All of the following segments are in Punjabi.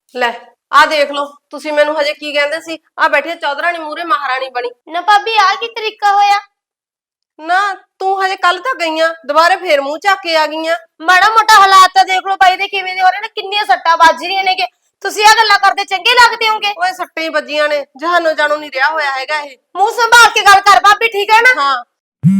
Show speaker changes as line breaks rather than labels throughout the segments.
ਲੈ ਆ ਦੇਖ ਲਓ ਤੁਸੀਂ ਮੈਨੂੰ ਹਜੇ ਕੀ ਕਹਿੰਦੇ ਸੀ ਆ ਬੈਠੀ ਚੌਧਰਾਣੀ ਮੂਰੇ ਮਹਾਰਾਣੀ ਬਣੀ
ਨਾ ਭਾਬੀ ਆ ਕੀ ਤਰੀਕਾ ਹੋਇਆ?
ਨਾ ਤੂੰ ਹਜੇ ਕੱਲ ਤਾਂ ਗਈਆਂ ਦੁਬਾਰੇ ਫੇਰ ਮੂੰਹ ਚੱਕ ਕੇ ਆ ਗਈਆਂ।
ਮਾੜਾ ਮੋਟਾ ਹਾਲਾਤ ਤਾਂ ਦੇਖ ਲਓ ਬਾਈ ਦੇ ਕਿਵੇਂ ਦੇ ਹੋ ਰਹੇ ਨੇ, ਕਿੰਨੀਆਂ ਸੱਟਾਂ ਵੱਜ ਰਹੀਆਂ ਨੇ ਕਿ ਤੁਸੀਂ ਆ ਗੱਲਾਂ ਕਰਦੇ ਚੰਗੇ ਲੱਗਦੇ ਹੋਗੇ?
ਓਏ ਸੱਟਾਂ ਹੀ ਵੱਜੀਆਂ ਨੇ ਜਹਾਨੋਂ ਜਾਣੋ ਨਹੀਂ ਰਿਹਾ ਹੋਇਆ ਹੈਗਾ ਇਹ।
ਮੂੰਹ ਸੰਭਾਲ ਕੇ ਗੱਲ ਕਰ ਭਾਬੀ, ਠੀਕ ਹੈ ਨਾ?
ਹਾਂ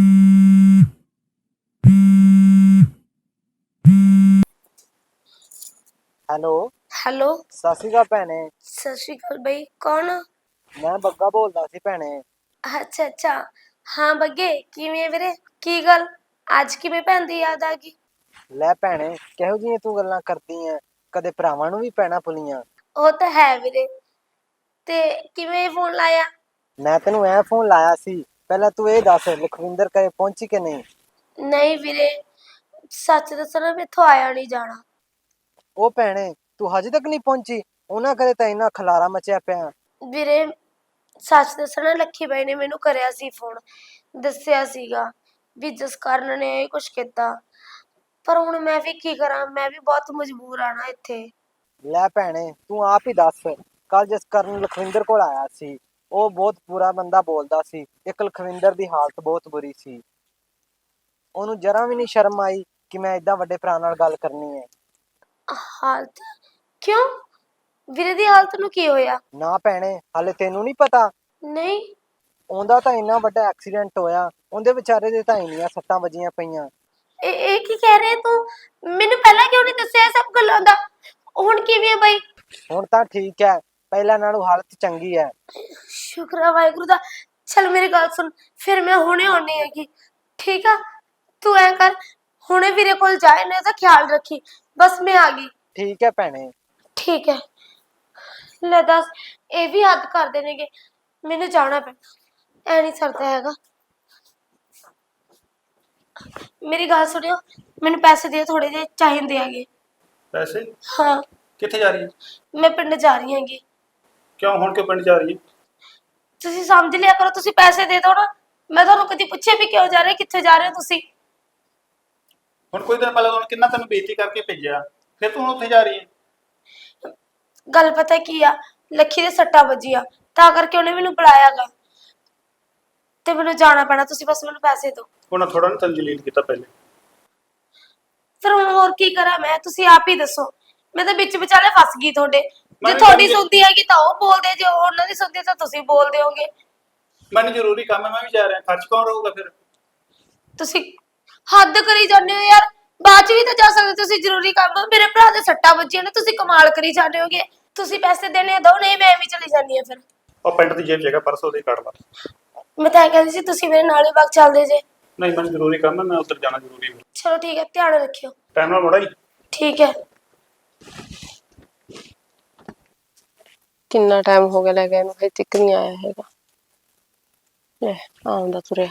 ਹੈਲੋ
ਹੈਲੋ,
ਸਤਿ ਸ਼੍ਰੀ ਅਕਾਲ ਭੈਣੇ।
ਸਤਿ ਸ਼੍ਰੀ ਅਕਾਲ ਬਈ, ਕੌਣ?
ਮੈਂ ਬੱਗਾ ਬੋਲਦਾ ਸੀ ਭੈਣੇ।
ਅੱਛਾ ਅੱਛਾ, ਹਾਂ ਬੱਗੇ ਕਿਵੇਂ ਆ ਵੀਰੇ? ਕੀ ਗੱਲ ਅੱਜ ਕਿਵੇਂ ਭੈਣ ਦੀ ਯਾਦ ਆ ਗਈ?
ਲੈ ਭੈਣੇ ਕਿਹੋ ਜਿਹੀਆਂ ਤੂੰ ਗੱਲਾਂ ਕਰਦੀ ਐ, ਕਦੇ ਭਰਾਵਾਂ ਨੂੰ ਵੀ ਭੈਣਾਂ ਭੁੱਲੀਆਂ।
ਉਹ ਤਾਂ ਹੈ ਵੀਰੇ, ਤੇ ਕਿਵੇਂ ਫੋਨ ਲਾਇਆ?
ਮੈਂ ਤੈਨੂੰ ਐ ਫੋਨ ਲਾਇਆ ਸੀ, ਪਹਿਲਾਂ ਤੂੰ ਇਹ ਦੱਸ ਲਖਵਿੰਦਰ ਘਰੇ ਪਹੁੰਚੀ ਕਿ ਨਹੀਂ?
ਨਹੀਂ ਵੀਰੇ, ਸੱਚ ਦੱਸਣਾ ਮੈਥੋਂ ਆਇਆ ਨਹੀਂ ਜਾਣਾ।
ਉਹ ਭੈਣੇ ਤੂੰ ਹਜੇ ਤੱਕ ਨਹੀਂ ਪਹੁੰਚੀ? ਉਹਨਾਂ ਘਰੇ ਤਾਂ ਇੰਨਾ ਖਲਾਰਾ ਮਚਿਆ ਪਿਆ।
ਵੀਰੇ ਸੱਚ ਦੱਸਣਾ, ਲੱਖੀ ਬਾਈ ਨੇ ਮੈਨੂੰ ਕਰਿਆ ਸੀ ਫੋਨ, ਦੱਸਿਆ ਸੀਗਾ ਵੀ ਜਸਕਰਨ ਨੇ ਇਹ ਕੁਛ ਕੀਤਾ, ਪਰ ਹੁਣ ਮੈਂ ਵੀ ਕੀ ਕਰਾਂ, ਮੈਂ ਵੀ ਬਹੁਤ ਮਜਬੂਰ ਆ ਨਾ ਇੱਥੇ।
ਲੈ ਭੈਣੇ ਤੂੰ ਆਪ ਹੀ ਦੱਸ, ਕੱਲ ਜਸਕਰਨ ਲਖਵਿੰਦਰ ਕੋਲ ਆਇਆ ਸੀ, ਉਹ ਬਹੁਤ ਬੁਰਾ ਬੰਦਾ ਬੋਲਦਾ ਸੀ। ਇੱਕ ਲਖਵਿੰਦਰ ਦੀ ਹਾਲਤ ਬਹੁਤ ਬੁਰੀ ਸੀ, ਉਹਨੂੰ ਜਰਾ ਵੀ ਨਹੀਂ ਸ਼ਰਮ ਆਈ ਕਿ ਮੈਂ ਏਦਾਂ ਵੱਡੇ ਭਰਾ ਨਾਲ ਗੱਲ ਕਰਨੀ ਹੈ।
ਹਾਲਤ? ਕਿਉਂ ਵੀਰੇ ਦੀ ਹਾਲਤ ਨੂੰ ਕੀ ਹੋਇਆ?
ਨਾ ਭੈਣੇ ਹਾਲੇ ਤੈਨੂੰ ਨਹੀਂ ਪਤਾ?
ਨਹੀਂ।
ਉਹਦਾ ਤਾਂ ਇੰਨਾ ਵੱਡਾ ਐਕਸੀਡੈਂਟ ਹੋਇਆ, ਉਹਦੇ ਵਿਚਾਰੇ ਦੇ ਤਾਂ ਇੰਨੀਆਂ ਸੱਟਾਂ ਵੱਜੀਆਂ ਪਈਆਂ।
ਇਹ ਕੀ ਕਹਿ ਰਹੇ ਤੂੰ? ਮੈਨੂੰ ਪਹਿਲਾਂ ਕਿਉਂ ਨਹੀਂ ਦੱਸਿਆ ਇਹ ਸਭ ਗੱਲਾਂ ਦਾ? ਹੁਣ ਕਿਵੇਂ ਆ ਬਾਈ?
ਹੁਣ ਤਾਂ ਠੀਕ ਹੈ, ਪਹਿਲਾਂ ਨਾਲੋਂ ਹਾਲਤ ਚੰਗੀ ਹੈ।
ਸ਼ੁਕਰ ਆ ਵਾਹਿਗੁਰੂ ਦਾ। ਚਲ ਮੇਰੀ ਗੱਲ ਸੁਣ, ਫਿਰ ਮੈਂ ਹੁਣੇ ਆਉਣੀ ਹੈਗੀ, ਠੀਕ ਆ? ਤੂੰ ਐ ਕਰ, ਹੁਣੇ ਵੀਰੇ ਕੋਲ ਜਾ, ਇਹਨੇ ਦਾ ਖਿਆਲ ਰੱਖੀ, ਬਸ ਮੈਂ ਆ ਗਈ।
ਠੀਕ ਹੈ ਭੈਣੇ।
ਠੀਕ ਹੈ। ਲੈ ਦੱਸ, ਇਹ ਵੀ ਹੱਦ ਕਰਦੇ ਨੇਗੇ, ਮੈਨੂੰ ਜਾਣਾ ਪੈਣਾ, ਐ ਨਹੀਂ ਸਰਦਾ ਹੈਗਾ। ਮੇਰੀ ਗੱਲ ਸੁਣਿਓ, ਮੈਨੂੰ ਪੈਸੇ ਦਿਓ, ਥੋੜੇ ਜਿਹੇ ਚਾਹੀਦੇ ਹੈਗੇ।
ਪੈਸੇ?
ਹਾਂ,
ਕਿੱਥੇ ਜਾ ਰਹੀ ਹੈ?
ਮੈਂ ਪਿੰਡ ਜਾ ਰਹੀ ਹੈਗੀ।
ਕਿਉਂ ਹੁਣ ਕਿਉਂ ਪਿੰਡ ਜਾ ਰਹੀ ਹੈ?
ਤੁਸੀਂ ਸਮਝ ਲਿਆ ਕਰੋ, ਤੁਸੀਂ ਪੈਸੇ ਦੇ ਦਿਓ ਨਾ। ਮੈਂ ਤੁਹਾਨੂੰ ਕਦੀ ਪੁੱਛਿਆ ਵੀ ਕਿਉਂ ਜਾ ਰਹੇ, ਕਿੱਥੇ ਜਾ ਰਹੇ ਹੋ ਤੁਸੀਂ?
ਹੁਣ ਕੋਈ ਦਿਨ ਪਹਿਲਾਂ ਕਿੰਨਾ ਤੈਨੂੰ ਬੇਇੱਜ਼ਤੀ ਕਰਕੇ ਭੇਜਿਆ, ਫਿਰ ਤੂੰ ਹੁਣ ਉੱਥੇ ਜਾ ਰਹੀ ਹੈ?
ਗੱਲ ਪਤਾ ਕੀ ਆ, ਲੱਖੀ ਦੇ ਸੱਟਾਂ ਵੱਜੀਆਂ, ਤਾਂ ਕਰਕੇ ਉਹਨੇ ਮੈਨੂੰ ਬੁਲਾਇਆਗਾ, ਤੇ ਮੈਨੂੰ ਜਾਣਾ ਪੈਣਾ। ਤੁਸੀਂ ਬਸ ਮੈਨੂੰ ਪੈਸੇ ਦਿਓ।
ਉਹਨਾਂ ਥੋੜਾ ਨਾ ਤੈਨੂੰ ਜਲੀਲ ਕੀਤਾ ਪਹਿਲੇ।
ਫਿਰ ਹੁਣ ਹੋਰ ਕੀ ਕਰਾਂ ਮੈਂ, ਤੁਸੀਂ ਆਪ ਹੀ ਦੱਸੋ। ਮੈਂ ਤਾਂ ਵਿੱਚ ਵਿਚਾਲੇ ਫਸ ਗਈ ਤੁਹਾਡੇ। ਜੇ
ਮੈਨੂੰ
ਤੁਹਾਡੀ ਸੁਣਦੀ ਹੈਗੀ ਤਾਂ ਉਹ ਬੋਲਦੇ, ਜੇ ਉਹਨਾਂ ਦੀ ਸੁਣਦੀ ਤਾਂ ਤੁਸੀਂ ਬੋਲਦੇ ਹੋਗੇ।
ਮੈਨੂੰ ਜ਼ਰੂਰੀ ਕੰਮ ਹੈ, ਮੈਂ ਵੀ ਜਾ ਰਿਹਾ, ਖਰਚ ਕੌਣ ਰਹੂਗਾ ਫਿਰ?
ਤੁਸੀਂ ਹੱਦ ਕਰੀ ਜਾਂਦੇ ਹੋ ਯਾਰ, ਬਾਅਦ ਚ ਵੀ ਤਾਂ ਜਾ ਸਕਦੇ ਤੁਸੀਂ। ਜ਼ਰੂਰੀ ਕੰਮ, ਮੇਰੇ ਭਰਾ ਦੇ ਸੱਟਾਂ ਵੱਜੀਆਂ ਨੇ, ਤੁਸੀਂ ਕਮਾਲ ਕਰੀ ਜਾਂਦੇ ਹੋਗੇ। ਤੁਸੀਂ ਪੈਸੇ ਦੇਣੇ ਦੋ, ਨਹੀਂ ਮੈਂ ਐਵੇਂ ਚਲੀ ਜਾਂਦੀ ਆ ਫਿਰ।
ਉਹ ਪਿੰਡ ਦੀ ਜੇਬ ਜਗ੍ਹਾ ਪਰਸ ਉਹਦੇ ਕੱਢ ਲਾ।
ਮੈਂ ਤਾਂ ਇਹ ਕਹਿੰਦੀ ਸੀ ਤੁਸੀਂ ਮੇਰੇ ਨਾਲ ਹੀ ਵਗ ਚੱਲਦੇ ਜੇ।
ਨਹੀਂ ਮੈਨੂੰ ਜ਼ਰੂਰੀ ਕੰਮ ਹੈ, ਮੈਂ ਉੱਧਰ ਜਾਣਾ ਜ਼ਰੂਰੀ ਹੈ।
ਚਲੋ ਠੀਕ ਹੈ, ਧਿਆਨ ਰੱਖਿਓ।
ਟਾਈਮ ਨਾਲ ਮੁੜਾ ਹੀ।
ਠੀਕ ਹੈ।
ਕਿੰਨਾ ਟਾਈਮ ਹੋ ਗਿਆ ਲੈ ਗਏ ਨੂੰ, ਹਜੇ ਤੱਕ ਨਹੀਂ ਆਇਆ ਹੈਗਾ। ਲੈ ਆਉਂਦਾ ਤੁਰਿਆ।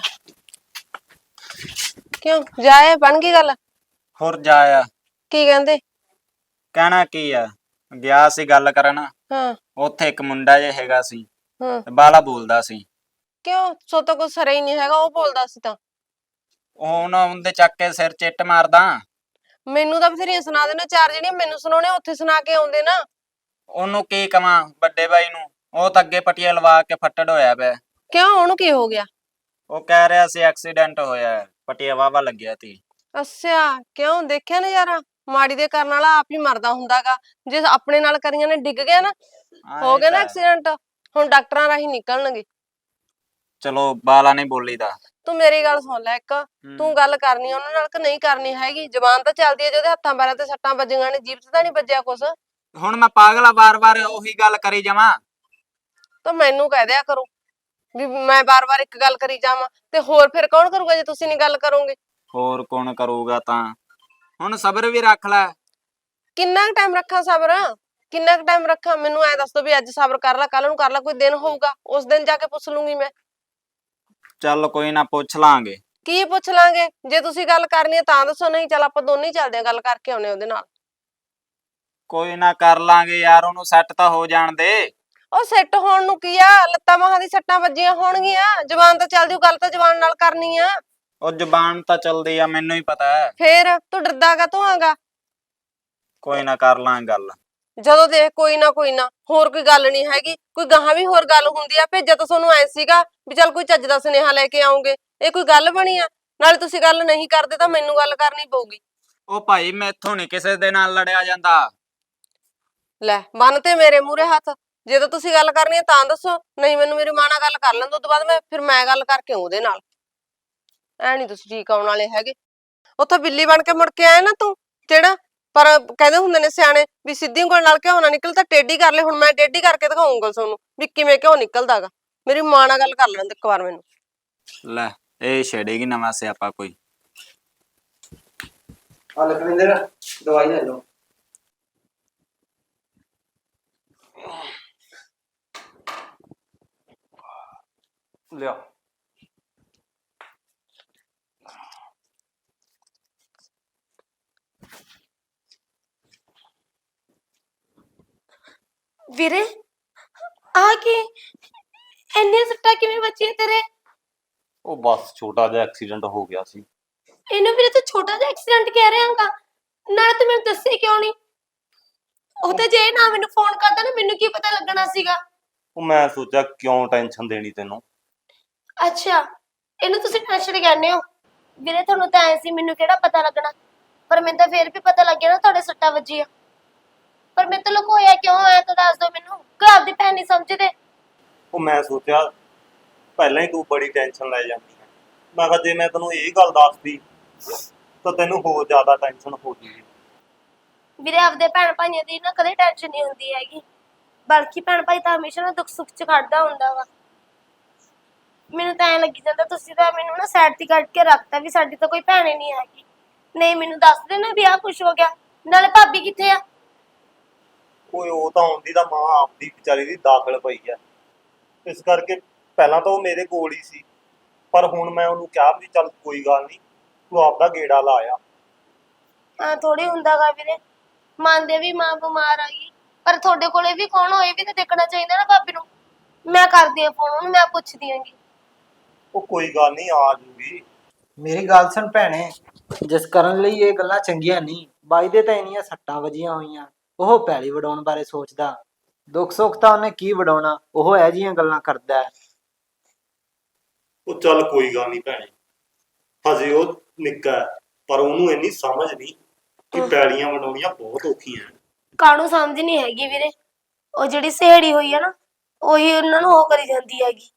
ਕਿਉਂ ਜਾਏ, ਬਣ ਗਈ ਗੱਲ?
ਹੋਰ ਜਾ ਆ।
ਕੀ ਕਹਿੰਦੇ?
ਕਹਿਣਾ ਕੀ ਆ, ਗਿਆ ਸੀ ਗੱਲ ਕਰਨ,
ਹਾਂ
ਉੱਥੇ ਇੱਕ ਮੁੰਡਾ ਜਿਹਾ ਹੈਗਾ ਸੀ,
ਹਾਂ।
ਬਾਲਾ ਬੋਲਦਾ ਸੀ।
ਕਿਉਂ ਸੋ ਤਾਂ ਕੁਛ ਸਰੇ ਹੀ ਨਹੀਂ ਹੈਗਾ, ਉਹ ਬੋਲਦਾ ਸੀ ਤਾਂ।
ਹੁਣ ਉਹਦੇ ਚੱਕ ਕੇ ਸਿਰ ਚਿੱਟ ਮਾਰਦਾ।
ਮੈਨੂੰ ਤਾਂ ਬਥੇਰੀਆਂ ਸੁਣਾ ਦੇਣਾ, ਚਾਰ ਜਿਹੜੀਆਂ ਮੈਨੂੰ ਸੁਣਾਉਣੇ ਉੱਥੇ ਸੁਣਾ ਕੇ ਆਉਂਦੇ ਨਾ।
ਉਹਨੂੰ ਕੀ ਕਵਾਂ ਵੱਡੇ ਬਾਈ ਨੂੰ, ਉਹ ਤਾਂ ਅੱਗੇ ਪਟੀਆਂ ਲਵਾ ਕੇ ਫੱਟੜ ਹੋਇਆ ਪਿਆ।
ਕਿਉਂ ਉਹਨੂੰ ਕੀ ਹੋ ਗਿਆ?
ਉਹ ਕਹਿ ਰਿਹਾ ਸੀ ਐਕਸੀਡੈਂਟ ਹੋਇਆ, ਪਟੀਆ ਵਾਵਾ ਲੱਗਿਆ ਤੀ।
ਅੱਛਾ, ਕਿਉਂ ਦੇਖਿਆ ਨਜ਼ਾਰਾ? ਮਾੜੀ ਦੇ ਕਰਨ ਵਾਲਾ ਆਪ ਹੀ ਮਰਦਾ ਹੁੰਦਾਗਾ। ਜੇ ਆਪਣੇ ਨਾਲ ਕਰੀਆਂ ਨੇ ਡਿੱਗ ਗਿਆ ਨਾ, ਹੋ ਗਿਆ ਨਾ ਐਕਸੀਡੈਂਟ, ਹੁਣ ਡਾਕਟਰਾਂ ਰਾਹੀਂ ਨਿਕਲਣਗੇ।
ਚਲੋ ਬਾਲਾ ਨਹੀਂ ਬੋਲੀਦਾ।
ਤੂੰ ਮੇਰੀ ਗੱਲ ਸੁਣ ਲੈ ਇੱਕ, ਤੂੰ ਗੱਲ ਕਰਨੀ ਉਹਨਾਂ ਨਾਲ ਕਿ ਨਹੀਂ ਕਰਨੀ ਹੈਗੀ? ਜ਼ਬਾਨ ਤਾਂ ਚੱਲਦੀ ਹੈ, ਜਿਹਦੇ ਹੱਥਾਂ ਪੈਰਾਂ ਤੇ ਸੱਟਾਂ ਵੱਜੀਆਂ ਨੇ, ਜੀਭ 'ਚ ਤਾਂ ਨਹੀਂ ਵੱਜਿਆ ਕੁਛ?
ਹੁਣ ਮੈਂ ਪਾਗਲਾ ਵਾਰ-ਵਾਰ ਉਹੀ ਗੱਲ ਕਰੀ ਜਾਵਾਂ?
ਤਾਂ ਮੈਨੂੰ ਕਹਿ ਦਿਆ ਕਰੋ ਵੀ ਮੈਂ ਬਾਰ-ਬਾਰ ਇੱਕ ਗੱਲ ਕਰੀ ਜਾਵਾਂ, ਤੇ ਹੋਰ ਫਿਰ ਕੌਣ ਕਰੂਗਾ ਜੇ ਤੁਸੀਂ ਨਹੀਂ ਗੱਲ ਕਰੋਗੇ?
ਹੋਰ ਕੌਣ ਕਰੂਗਾ? ਤਾਂ ਹੁਣ ਸਬਰ ਵੀ ਰੱਖ ਲੈ।
ਕਿੰਨਾ ਕੁ ਟਾਈਮ ਰੱਖਾਂ ਸਬਰ? ਕਿੰਨਾ ਕੁ ਟਾਈਮ ਰੱਖਾਂ? ਮੈਨੂੰ ਐ ਦੱਸ ਦੋ ਵੀ ਅੱਜ ਸਬਰ ਕਰ ਲੈ, ਕੱਲ ਨੂੰ ਕਰ ਲੈ, ਕੋਈ ਦਿਨ ਹੋਊਗਾ ਉਸ ਦਿਨ ਜਾ ਕੇ ਪੁੱਛ ਲੂੰਗੀ ਮੈਂ।
ਚੱਲ ਕੋਈ ਨਾ, ਪੁੱਛ ਲਾਂਗੇ।
ਕੀ ਪੁੱਛ ਲਾਂਗੇ? ਜੇ ਤੁਸੀਂ ਗੱਲ ਕਰਨੀ ਹੈ ਤਾਂ ਦੱਸੋ, ਨਹੀਂ ਚੱਲ ਆਪਾਂ ਦੋਨੇ ਹੀ ਚੱਲਦੇ ਆ, ਗੱਲ ਕਰਕੇ ਆਉਣੇ ਉਹਦੇ ਨਾਲ।
ਕੋਈ ਨਾ ਕਰ ਲਾਂਗੇ ਯਾਰ, ਉਹਨੂੰ ਸੈੱਟ ਤਾਂ ਹੋ ਜਾਣ ਦੇ।
ਉਹ ਸੈੱਟ ਹੋਣ ਨੂੰ ਕੀ ਆ, ਲੱਤਾਂ ਬਾਹਾਂ ਦੀ ਸੱਟਾਂ ਵੱਜੀਆਂ ਹੋਣਗੀਆਂ, ਜ਼ਬਾਨ ਤਾਂ ਚੱਲਦੀ, ਗੱਲ ਤਾਂ ਜ਼ਬਾਨ ਨਾਲ ਕਰਨੀ ਆ।
ਉਹ ਜ਼ਬਾਨ ਤਾਂ ਚਲਦੀ ਆ, ਮੈਨੂੰ ਹੀ ਪਤਾ ਹੈ।
ਫੇਰ ਤੂੰ ਡਰਦਾ ਕਾਹਤੋਂ ਆਂਗਾ?
ਕੋਈ ਨਾ ਕਰ ਲਾਂ ਗੱਲ।
ਜਦੋਂ ਦੇਖ ਕੋਈ ਨਾ ਹੋਰ ਕੋਈ ਗੱਲ ਨਹੀਂ ਹੈਗੀ, ਕੋਈ ਗਾਹਾਂ ਵੀ ਹੋਰ ਗੱਲ ਹੁੰਦੀ ਆ। ਭੇਜਿਆ ਤਾਂ ਤੁਹਾਨੂੰ ਐ ਸੀਗਾ ਵੀ ਚੱਲ ਕੋਈ ਚੱਜ ਦਾ ਸੁਨੇਹਾ ਲੈ ਕੇ ਆਉਂਗੇ, ਇਹ ਕੋਈ ਗੱਲ ਬਣੀ ਆ? ਨਾਲੇ ਤੁਸੀਂ ਗੱਲ ਨਹੀਂ ਕਰਦੇ ਤਾਂ ਮੈਨੂੰ ਗੱਲ ਕਰਨੀ ਪਊਗੀ।
ਉਹ ਭਾਈ ਮੈਥੋਂ ਨਹੀਂ ਕਿਸੇ ਦੇ ਨਾਲ ਲੜਿਆ ਜਾਂਦਾ।
ਲੈ ਬੰਨ ਤੇ ਮੇਰੇ ਮੂਹਰੇ ਹੱਥ, ਜੇ ਤਾਂ ਤੁਸੀਂ ਗੱਲ ਕਰਨੀ ਹੈ ਤਾਂ ਦੱਸੋ, ਨਹੀਂ ਮੈਨੂੰ ਮੇਰੀ ਮਾਂ ਨਾਲ ਗੱਲ ਕਰ ਲੈਣ ਤੋਂ ਬਾਅਦ ਮੈਂ ਗੱਲ ਕਰਕੇ ਉਹਦੇ ਨਾਲ। ਐ ਨਹੀਂ ਤੁਸੀਂ ਠੀਕ ਆਉਣ ਵਾਲੇ ਹੈਗੇ। ਉੱਥੋਂ ਬਿੱਲੀ ਬਣ ਕੇ ਮੁੜ ਕੇ ਆਇਆ ਨਾ ਤੂੰ ਜਿਹੜਾ, ਪਰ ਕਹਿੰਦੇ ਹੁੰਦੇ ਨੇ ਸਿਆਣੇ ਵੀ ਸਿੱਧੀ ਉਂਗਲ ਨਾਲ ਘਿਓ ਨਾ ਨਿਕਲ ਤਾਂ ਟੇਢੀ ਕਰ ਲੈ। ਹੁਣ ਮੈਂ ਟੇਢੀ ਕਰਕੇ ਦਿਖਾਉਂਗਾ ਤੁਹਾਨੂੰ ਵੀ ਕਿਵੇਂ ਘਿਓ ਨਿਕਲਦਾਗਾ। ਮੇਰੀ ਮਾਂ ਨਾਲ ਗੱਲ ਕਰ ਲੈਣ ਦੇ ਇੱਕ ਵਾਰ ਮੈਨੂੰ।
ਲੈ ਇਹ ਛੇੜੇਗੀ ਨਵਾਂ ਸਿਆਪਾ ਕੋਈ।
ਆ ਲਖਵਿੰਦਰ ਦਵਾਈ ਲੈ ਲਓ। ਲਿਆ।
ਵੀਰੇ ਆ ਕੀ ਇੰਨੇ ਸੱਟਾਂ ਕਿਵੇਂ ਵੱਜੀਆਂ ਤੇਰੇ?
ਉਹ ਬਸ ਛੋਟਾ ਜਿਹਾ ਐਕਸੀਡੈਂਟ ਹੋ ਗਿਆ ਸੀ।
ਇਹਨੂੰ ਵੀਰੇ ਤੂੰ ਛੋਟਾ ਜਿਹਾ ਐਕਸੀਡੈਂਟ ਕਹਿ ਰਿਹਾਗਾ, ਨਾਲੇ ਤੂੰ ਮੈਨੂੰ ਦੱਸੇ ਕਿਉਂ ਨਹੀਂ? ਉਹ ਤੇ ਜੇ ਨਾ ਮੈਨੂੰ ਫੋਨ ਕਰਦਾ ਨਾ ਮੈਨੂੰ ਕੀ ਪਤਾ ਲੱਗਣਾ ਸੀਗਾ।
ਉਹ ਮੈਂ ਸੋਚਿਆ ਕਿਉਂ ਟੈਨਸ਼ਨ ਦੇਣੀ ਤੈਨੂੰ।
ਅੱਛਾ ਇਹਨੂੰ ਤੁਸੀਂ ਟੈਨਸ਼ਨ ਕਹਿੰਦੇ ਹੋ? ਵੀਰੇ ਤੁਹਾਨੂੰ ਤਾਂ ਐ ਸੀ ਮੈਨੂੰ ਕਿਹੜਾ ਪਤਾ ਲੱਗਣਾ, ਪਰ ਮੈਨੂੰ ਤਾਂ ਫੇਰ ਵੀ ਪਤਾ ਲੱਗ ਗਿਆ ਨਾ ਤੁਹਾਡੇ ਸੱਟਾਂ ਵੱਜੀਆਂ। ਪਰ ਮੈਨੂੰ ਤਾਂ ਲੁਕੋਇਆ ਕਿਉਂ ਹੋਇਆ ਤਾਂ ਦੱਸ ਦਿਓ ਮੈਨੂੰ, ਘਰ ਦੀ ਭੈਣ ਨਹੀਂ ਸਮਝਦੇ।
ਉਹ ਮੈਂ ਸੋਚਿਆ ਪਹਿਲਾਂ ਹੀ ਤੂੰ ਬੜੀ ਟੈਨਸ਼ਨ ਲੈ ਜਾਂਦੀ ਹੈ। ਮੈਂ ਕਿਹਾ ਜੇ ਮੈਂ ਤੈਨੂੰ ਇਹ ਗੱਲ ਦੱਸਦੀ ਤਾਂ ਤੈਨੂੰ ਹੋਰ ਜ਼ਿਆਦਾ ਟੈਨਸ਼ਨ ਹੋ ਜੂਗੀ।
ਵੀਰੇ ਆਪਦੇ ਭੈਣ ਭਾਈਆਂ ਦੀ ਨਾ ਕਦੇ ਟੈਨਸ਼ਨ ਨਹੀਂ ਹੁੰਦੀ ਹੈਗੀ, ਬਲਕਿ ਭੈਣ ਭਾਈ ਤਾਂ ਹਮੇਸ਼ਾ ਨਾ ਦੁੱਖ ਸੁੱਖ ਚ ਖੜਦਾ ਹੁੰਦਾ ਵਾ। ਮੈਨੂੰ ਤਾਂ ਐਂ ਲੱਗੀ ਜਾਂਦਾ ਤੁਸੀਂ ਤਾਂ ਮੈਨੂੰ ਨਾ ਸਾਈਡ ਤੇ ਕੱਢ ਕੇ ਰੱਖਤਾ ਵੀ ਸਾਡੀ ਤਾਂ ਕੋਈ ਭੈਣ ਹੀ ਨਹੀਂ ਹੈਗੀ। ਨਹੀਂ ਮੈਨੂੰ ਦੱਸ ਦੇ ਨਾ ਵੀ ਆਹ ਕੁਛ ਹੋ ਗਿਆ। ਨਾਲੇ ਭਾਬੀ ਕਿੱਥੇ ਆ?
ਓਏ ਉਹ ਤਾਂ ਆਉਂਦੀ ਦਾ ਮਾਂ ਆਪਦੀ ਵਿਚਾਰੀ ਦੀ ਦਾਖਲ ਪਈ ਹੈ, ਇਸ ਕਰਕੇ ਪਹਿਲਾਂ ਤਾਂ ਉਹ ਮੇਰੇ ਕੋਲ ਹੀ ਸੀ, ਪਰ ਹੁਣ ਮੈਂ ਉਹਨੂੰ ਕਿਹਾ ਵੀ ਚੱਲ ਕੋਈ ਗੱਲ ਨਹੀਂ ਤੂੰ ਆਪਦਾ ਗੇੜਾ ਲਾ ਆ।
ਹਾਂ ਥੋੜੀ ਹੁੰਦਾਗਾ ਵੀਰੇ, ਮੰਨਦੇ ਵੀ ਮਾਂ ਬਿਮਾਰ ਆ ਗਈ, ਪਰ ਤੁਹਾਡੇ ਕੋਲੇ ਵੀ ਕੌਣ ਹੋਏ ਵੀ ਤਾਂ ਦੇਖਣਾ ਚਾਹੀਦਾ ਨਾ ਭਾਬੀ ਨੂੰ। ਮੈਂ ਕਰਦੀ ਆ ਫੋਨ ਉਹਨੂੰ, ਮੈਂ ਪੁੱਛਦੀ ਆਂਗੀ।
ਉਹ ਕੋਈ ਗੱਲ ਨਹੀਂ ਆ ਜੂਗੀ।
ਮੇਰੀ ਗੱਲ ਸੁਣ ਭੈਣੇ, ਜਿਸ ਕਰਨ ਲਈ ਇਹ ਗੱਲਾਂ ਚੰਗੀਆਂ ਨਹੀਂ। ਬਾਈ ਦੇ ਤਾਂ ਇੰਨੀਆਂ ਸੱਟਾਂ ਵੱਜੀਆਂ ਹੋਈਆਂ, ਉਹ ਪੈਲੀ ਵਡਾਉਣ ਬਾਰੇ ਸੋਚਦਾ। ਦੁੱਖ ਸੁੱਖ ਤਾਂ ਉਹਨੇ ਕੀ ਵਡਾਉਣਾ, ਉਹ ਇਹੋ ਜਿਹੀਆਂ ਗੱਲਾਂ ਕਰਦਾ ਹੈ।
ਉਹ ਚੱਲ ਕੋਈ ਗੱਲ ਨਹੀਂ ਭੈਣੇ, ਹਜੇ ਉਹ ਨਿੱਕਾ ਹੈ, ਪਰ ਉਹਨੂੰ ਇੰਨੀ ਸਮਝ ਨਹੀਂ ਕਿ ਪੈਲੀਆਂ ਵਡਾਉਣੀਆਂ ਬਹੁਤ ਔਖੀਆਂ।
ਕਾਹਨੂੰ ਸਮਝ ਨਹੀਂ ਹੈਗੀ ਵੀਰੇ, ਉਹ ਜਿਹੜੀ ਸਹੇੜੀ ਹੋਈ ਆ ਨਾ ਉਹੀ ਉਹਨਾਂ ਨੂੰ ਉਹ ਕਰੀ ਜਾਂਦੀ ਹੈਗੀ।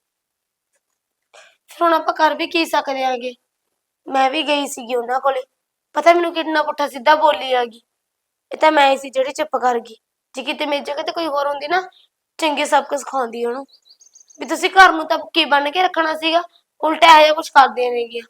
ਫਿਰ ਹੁਣ ਆਪਾਂ ਕਰ ਵੀ ਕੀ ਸਕਦੇ ਆਂਗੇ। ਮੈਂ ਵੀ ਗਈ ਸੀਗੀ ਉਹਨਾਂ ਕੋਲੇ, ਪਤਾ ਮੈਨੂੰ ਕਿੰਨਾ ਪੁੱਠਾ ਸਿੱਧਾ ਬੋਲੀ ਹੈਗੀ। ਇਹ ਤਾਂ ਮੈਂ ਹੀ ਸੀ ਜਿਹੜੀ ਚੁੱਪ ਕਰ ਗਈ। ਜੇ ਕਿਤੇ ਮੇਰੀ ਜਗ੍ਹਾ ਤੇ ਕੋਈ ਹੋਰ ਹੁੰਦੀ ਨਾ ਚੰਗੇ ਸਬਕ ਸਿਖਾਉਂਦੀ ਉਹਨੂੰ ਵੀ ਤੁਸੀਂ ਘਰ ਨੂੰ ਤਾਂ ਕੀ ਬਣ ਕੇ ਰੱਖਣਾ ਸੀਗਾ, ਉਲਟਾ ਇਹੋ ਜਿਹਾ ਕੁਝ ਕਰਦੀਆਂ ਨੇਗੀਆਂ।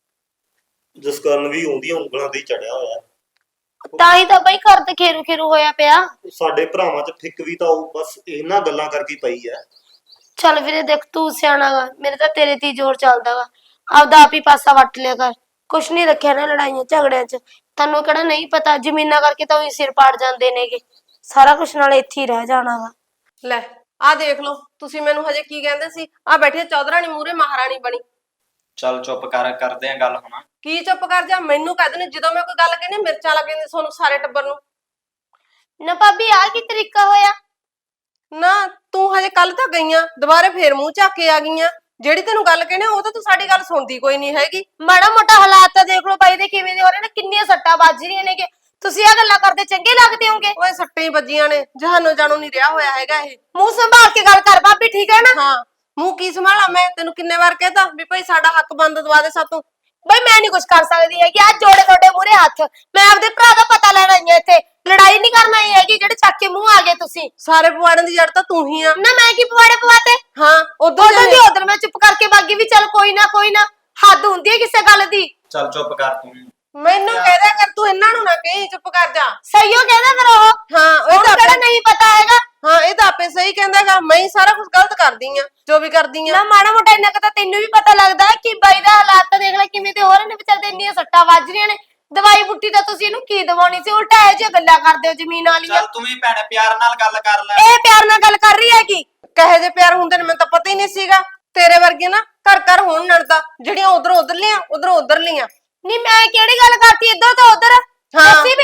ਜਿਸ ਕਾਰਨ ਵੀ ਉਹਦੀਆਂ ਉਂਗਲਾਂ ਤੇ ਚੜਿਆ ਹੋਇਆ।
ਤਾਂ ਹੀ ਤਾਂ ਬਈ ਘਰ ਤੇ ਖੇਰੂ ਖੇਰੂ ਹੋਇਆ ਪਿਆ।
ਸਾਡੇ ਭਰਾਵਾਂ 'ਚ ਫਿੱਕ ਵੀ ਤਾਂ ਉਹ ਬਸ ਇਹਨਾਂ ਗੱਲਾਂ ਕਰਕੇ ਪਈ ਹੈ।
ਚੱਲ ਵੀਰੇ ਦੇਖ ਤੂੰ ਸਿਆਣਾ ਗਾ, ਮੇਰੇ ਤਾਂ ਤੇਰੇ ਤੇ ਹੀ ਜ਼ੋਰ ਚੱਲਦਾ ਵਾ। ਆਪਦਾ ਆਪ ਹੀ ਪਾਸਾ ਵੱਟ ਲਿਆ ਕਰ, ਕੁਛ ਨਹੀਂ ਰੱਖਿਆ ਨਾ ਲੜਾਈਆਂ ਝਗੜਿਆਂ 'ਚ। ਤੈਨੂੰ ਕਿਹੜਾ ਨਹੀਂ ਪਤਾ, ਜ਼ਮੀਨਾਂ ਕਰਕੇ ਤਾਂ ਉਹੀ ਸਿਰ ਪਾੜ ਜਾਂਦੇ ਨੇਗੇ। ਸਾਰਾ ਕੁਛ ਨਾਲ ਇੱਥੇ ਹੀ ਰਹਿ ਜਾਣਾ ਵਾ।
ਲੈ ਆਹ ਦੇਖ ਲਓ, ਤੁਸੀਂ ਮੈਨੂੰ ਹਜੇ ਕੀ ਕਹਿੰਦੇ ਸੀ? ਆ ਬੈਠੀ ਚੌਧਰਾਣੀ ਮੂਹਰੇ ਮਹਾਰਾਣੀ ਬਣੀ।
ਚੱਲ ਚੁੱਪ ਕਰਦੇ ਆ ਗੱਲ ਹੁਣ।
ਕੀ ਚੁੱਪ ਕਰ ਜਾ? ਮੈਨੂੰ ਕਹਿੰਦੇ ਨੇ ਜਦੋਂ ਮੈਂ ਕੋਈ ਗੱਲ ਕਹਿੰਦੀ ਮਿਰਚਾਂ ਲੱਗ ਜਾਂਦੀਆਂ ਤੁਹਾਨੂੰ ਸਾਰੇ ਟੱਬਰ ਨੂੰ।
ਨਾ ਭਾਬੀ ਆਹ ਕੀ ਤਰੀਕਾ ਹੋਇਆ?
ਨਾ ਤੂੰ ਹਜੇ ਕੱਲ ਤਾਂ ਗਈਆਂ, ਦੁਬਾਰੇ ਫੇਰ ਮੂੰਹ ਚੱਕ ਕੇ ਆ ਗਈਆਂ। ਜਿਹੜੀ ਤੈਨੂੰ ਗੱਲ ਕਹਿੰਦੇ ਉਹ ਤਾਂ ਤੂੰ ਸਾਡੀ ਗੱਲ ਸੁਣਦੀ ਕੋਈ ਨਹੀਂ ਹੈਗੀ।
ਮਾੜਾ ਮੋਟਾ ਹਾਲਾਤ ਤਾਂ ਦੇਖ ਲਓ ਬਾਈ ਦੇ ਕਿਵੇਂ ਦੇ ਹੋ ਰਹੇ ਨੇ, ਕਿੰਨੀਆਂ ਸੱਟਾਂ ਵੱਜ ਰਹੀਆਂ ਨੇਗੇ। ਤੁਸੀਂ ਆਹ ਗੱਲਾਂ ਕਰਦੇ ਚੰਗੇ ਲੱਗਦੇ ਹੋਗੇ?
ਓਏ ਸੱਟਾਂ ਹੀ ਵੱਜੀਆਂ ਨੇ, ਜਹਾਨੋਂ ਜਾਣੋ ਨਹੀਂ ਰਿਹਾ ਹੋਇਆ ਹੈਗਾ ਇਹ।
ਮੂੰਹ ਸੰਭਾਲ ਕੇ ਗੱਲ ਕਰ ਭਾਬੀ, ਠੀਕ ਹੈ ਨਾ?
ਹਾਂ ਮੂੰਹ ਕੀ ਸੰਭਾਲਾਂ ਮੈਂ? ਤੈਨੂੰ ਕਿੰਨੇ ਵਾਰ ਕਹਿਤਾ ਵੀ ਭਾਈ ਸਾਡਾ ਹੱਕ ਬੰਦ ਦਵਾ ਦੇ ਸਾਤੋਂ।
ਬਈ ਮੈਂ ਨਹੀਂ ਕੁਝ ਕਰ ਸਕਦੀ ਹੈਗੀ, ਅੱਜ ਜੋੜੇ ਤੁਹਾਡੇ ਮੂਹਰੇ ਹੱਥ। ਮੈਂ ਆਪਦੇ ਭਰਾ ਦਾ ਪਤਾ ਲੈਣ ਆਈ ਹਾਂ ਇੱਥੇ, ਲੜਾਈ ਨਹੀਂ ਕਰਨ ਆਈ ਹੈਗੀ ਜਿਹੜੇ ਚੱਕ ਕੇ ਮੂੰਹ ਆ ਗਏ ਤੁਸੀਂ।
ਸਾਰੇ ਪਵਾੜਨ ਦੀ ਜੜ ਤਾਂ ਤੂੰ ਹੀ ਆ
ਨਾ ਮੈਂ ਕੀ ਪਵਾੜੇ ਪਵਾਤੇ?
ਹਾਂ
ਉਦੋਂ ਦੀ ਉਧਰ ਮੈਂ ਚੁੱਪ ਕਰਕੇ ਬਾਗੀ ਵੀ ਚੱਲ ਕੋਈ ਨਾ ਹੱਦ ਹੁੰਦੀ ਹੈ ਕਿਸੇ ਗੱਲ ਦੀ।
ਚੱਲ ਚੁੱਪ ਕਰ ਤੂੰ।
ਮੈਨੂੰ ਕਹਿਦਾ ਕਰ, ਤੂੰ ਇਹਨਾਂ ਨੂੰ ਨਾ ਕਹੀਂ, ਚੁੱਪ ਕਰ ਜਾ।
ਸਹੀ ਹੋ ਕਹਿੰਦਾ ਫਿਰ ਉਹ।
ਹਾਂ
ਉਹ ਕਿਹੜਾ ਨਹੀਂ ਪਤਾ ਹੈਗਾ।
ਹਾਂ ਇਹ ਤਾਂ ਆਪੇ ਸਹੀ ਕਹਿੰਦਾਗਾ, ਮੈਂ ਹੀ ਸਾਰਾ ਕੁਝ ਗਲਤ ਕਰਦੀ ਆ ਜੋ ਵੀ ਕਰਦੀ ਆ।
ਨਾ ਮਾੜਾ ਮੋਟਾ ਇੰਨਾ ਕੁ ਤਾਂ ਤੈਨੂੰ ਵੀ ਪਤਾ ਲੱਗਦਾ ਕਿ ਬਾਈ ਦਾ ਹਾਲਾਤ ਤਾਂ ਦੇਖ ਲੈ ਕਿਵੇਂ ਤੇ ਹੋ ਰਹੇ ਨੇ ਵਿਚਾਰੇ, ਇੰਨੀਆਂ ਸੱਟਾਂ ਵੱਜ ਰਹੀਆਂ ਨੇ। ਦਵਾਈ ਬੁੱਟੀ ਤਾਂ ਤੁਸੀਂ ਇਹਨੂੰ ਕੀ ਦਵਾਉਣੀ ਸੀ, ਉਲਟਾ ਇਹੋ ਜਿਹੀਆਂ ਗੱਲਾਂ ਕਰਦੇ ਹੋ ਜ਼ਮੀਨ ਵਾਲੀਆਂ।
ਚੱਲ ਤੂੰ ਵੀ ਭੈਣੇ ਪਿਆਰ ਨਾਲ ਗੱਲ ਕਰ ਲੈ।
ਇਹ ਪਿਆਰ ਨਾਲ ਗੱਲ ਕਰ ਰਹੀ ਹੈਗੀ।
ਕਹੇ ਜੇ ਪਿਆਰ ਹੁੰਦੇ ਨੇ ਮੈਨੂੰ ਤਾਂ ਪਤਾ ਹੀ ਨਹੀਂ ਸੀਗਾ। ਤੇਰੇ ਵਰਗੇ ਨਾ ਘਰ ਘਰ ਹੋਣ ਨੜਦਾ, ਜਿਹੜੀਆਂ ਉਧਰੋਂ ਉਧਰ ਲੀਆਂ ਉਧਰੋਂ ਉਧਰ ਲੀਆਂ।
ਨਹੀਂ ਮੈਂ ਕਿਹੜੀ ਗੱਲ ਕਰਤੀ, ਇੱਧਰ ਤਾਂ ਉਧਰ। ਦੱਸੀ ਮੈਨੂੰ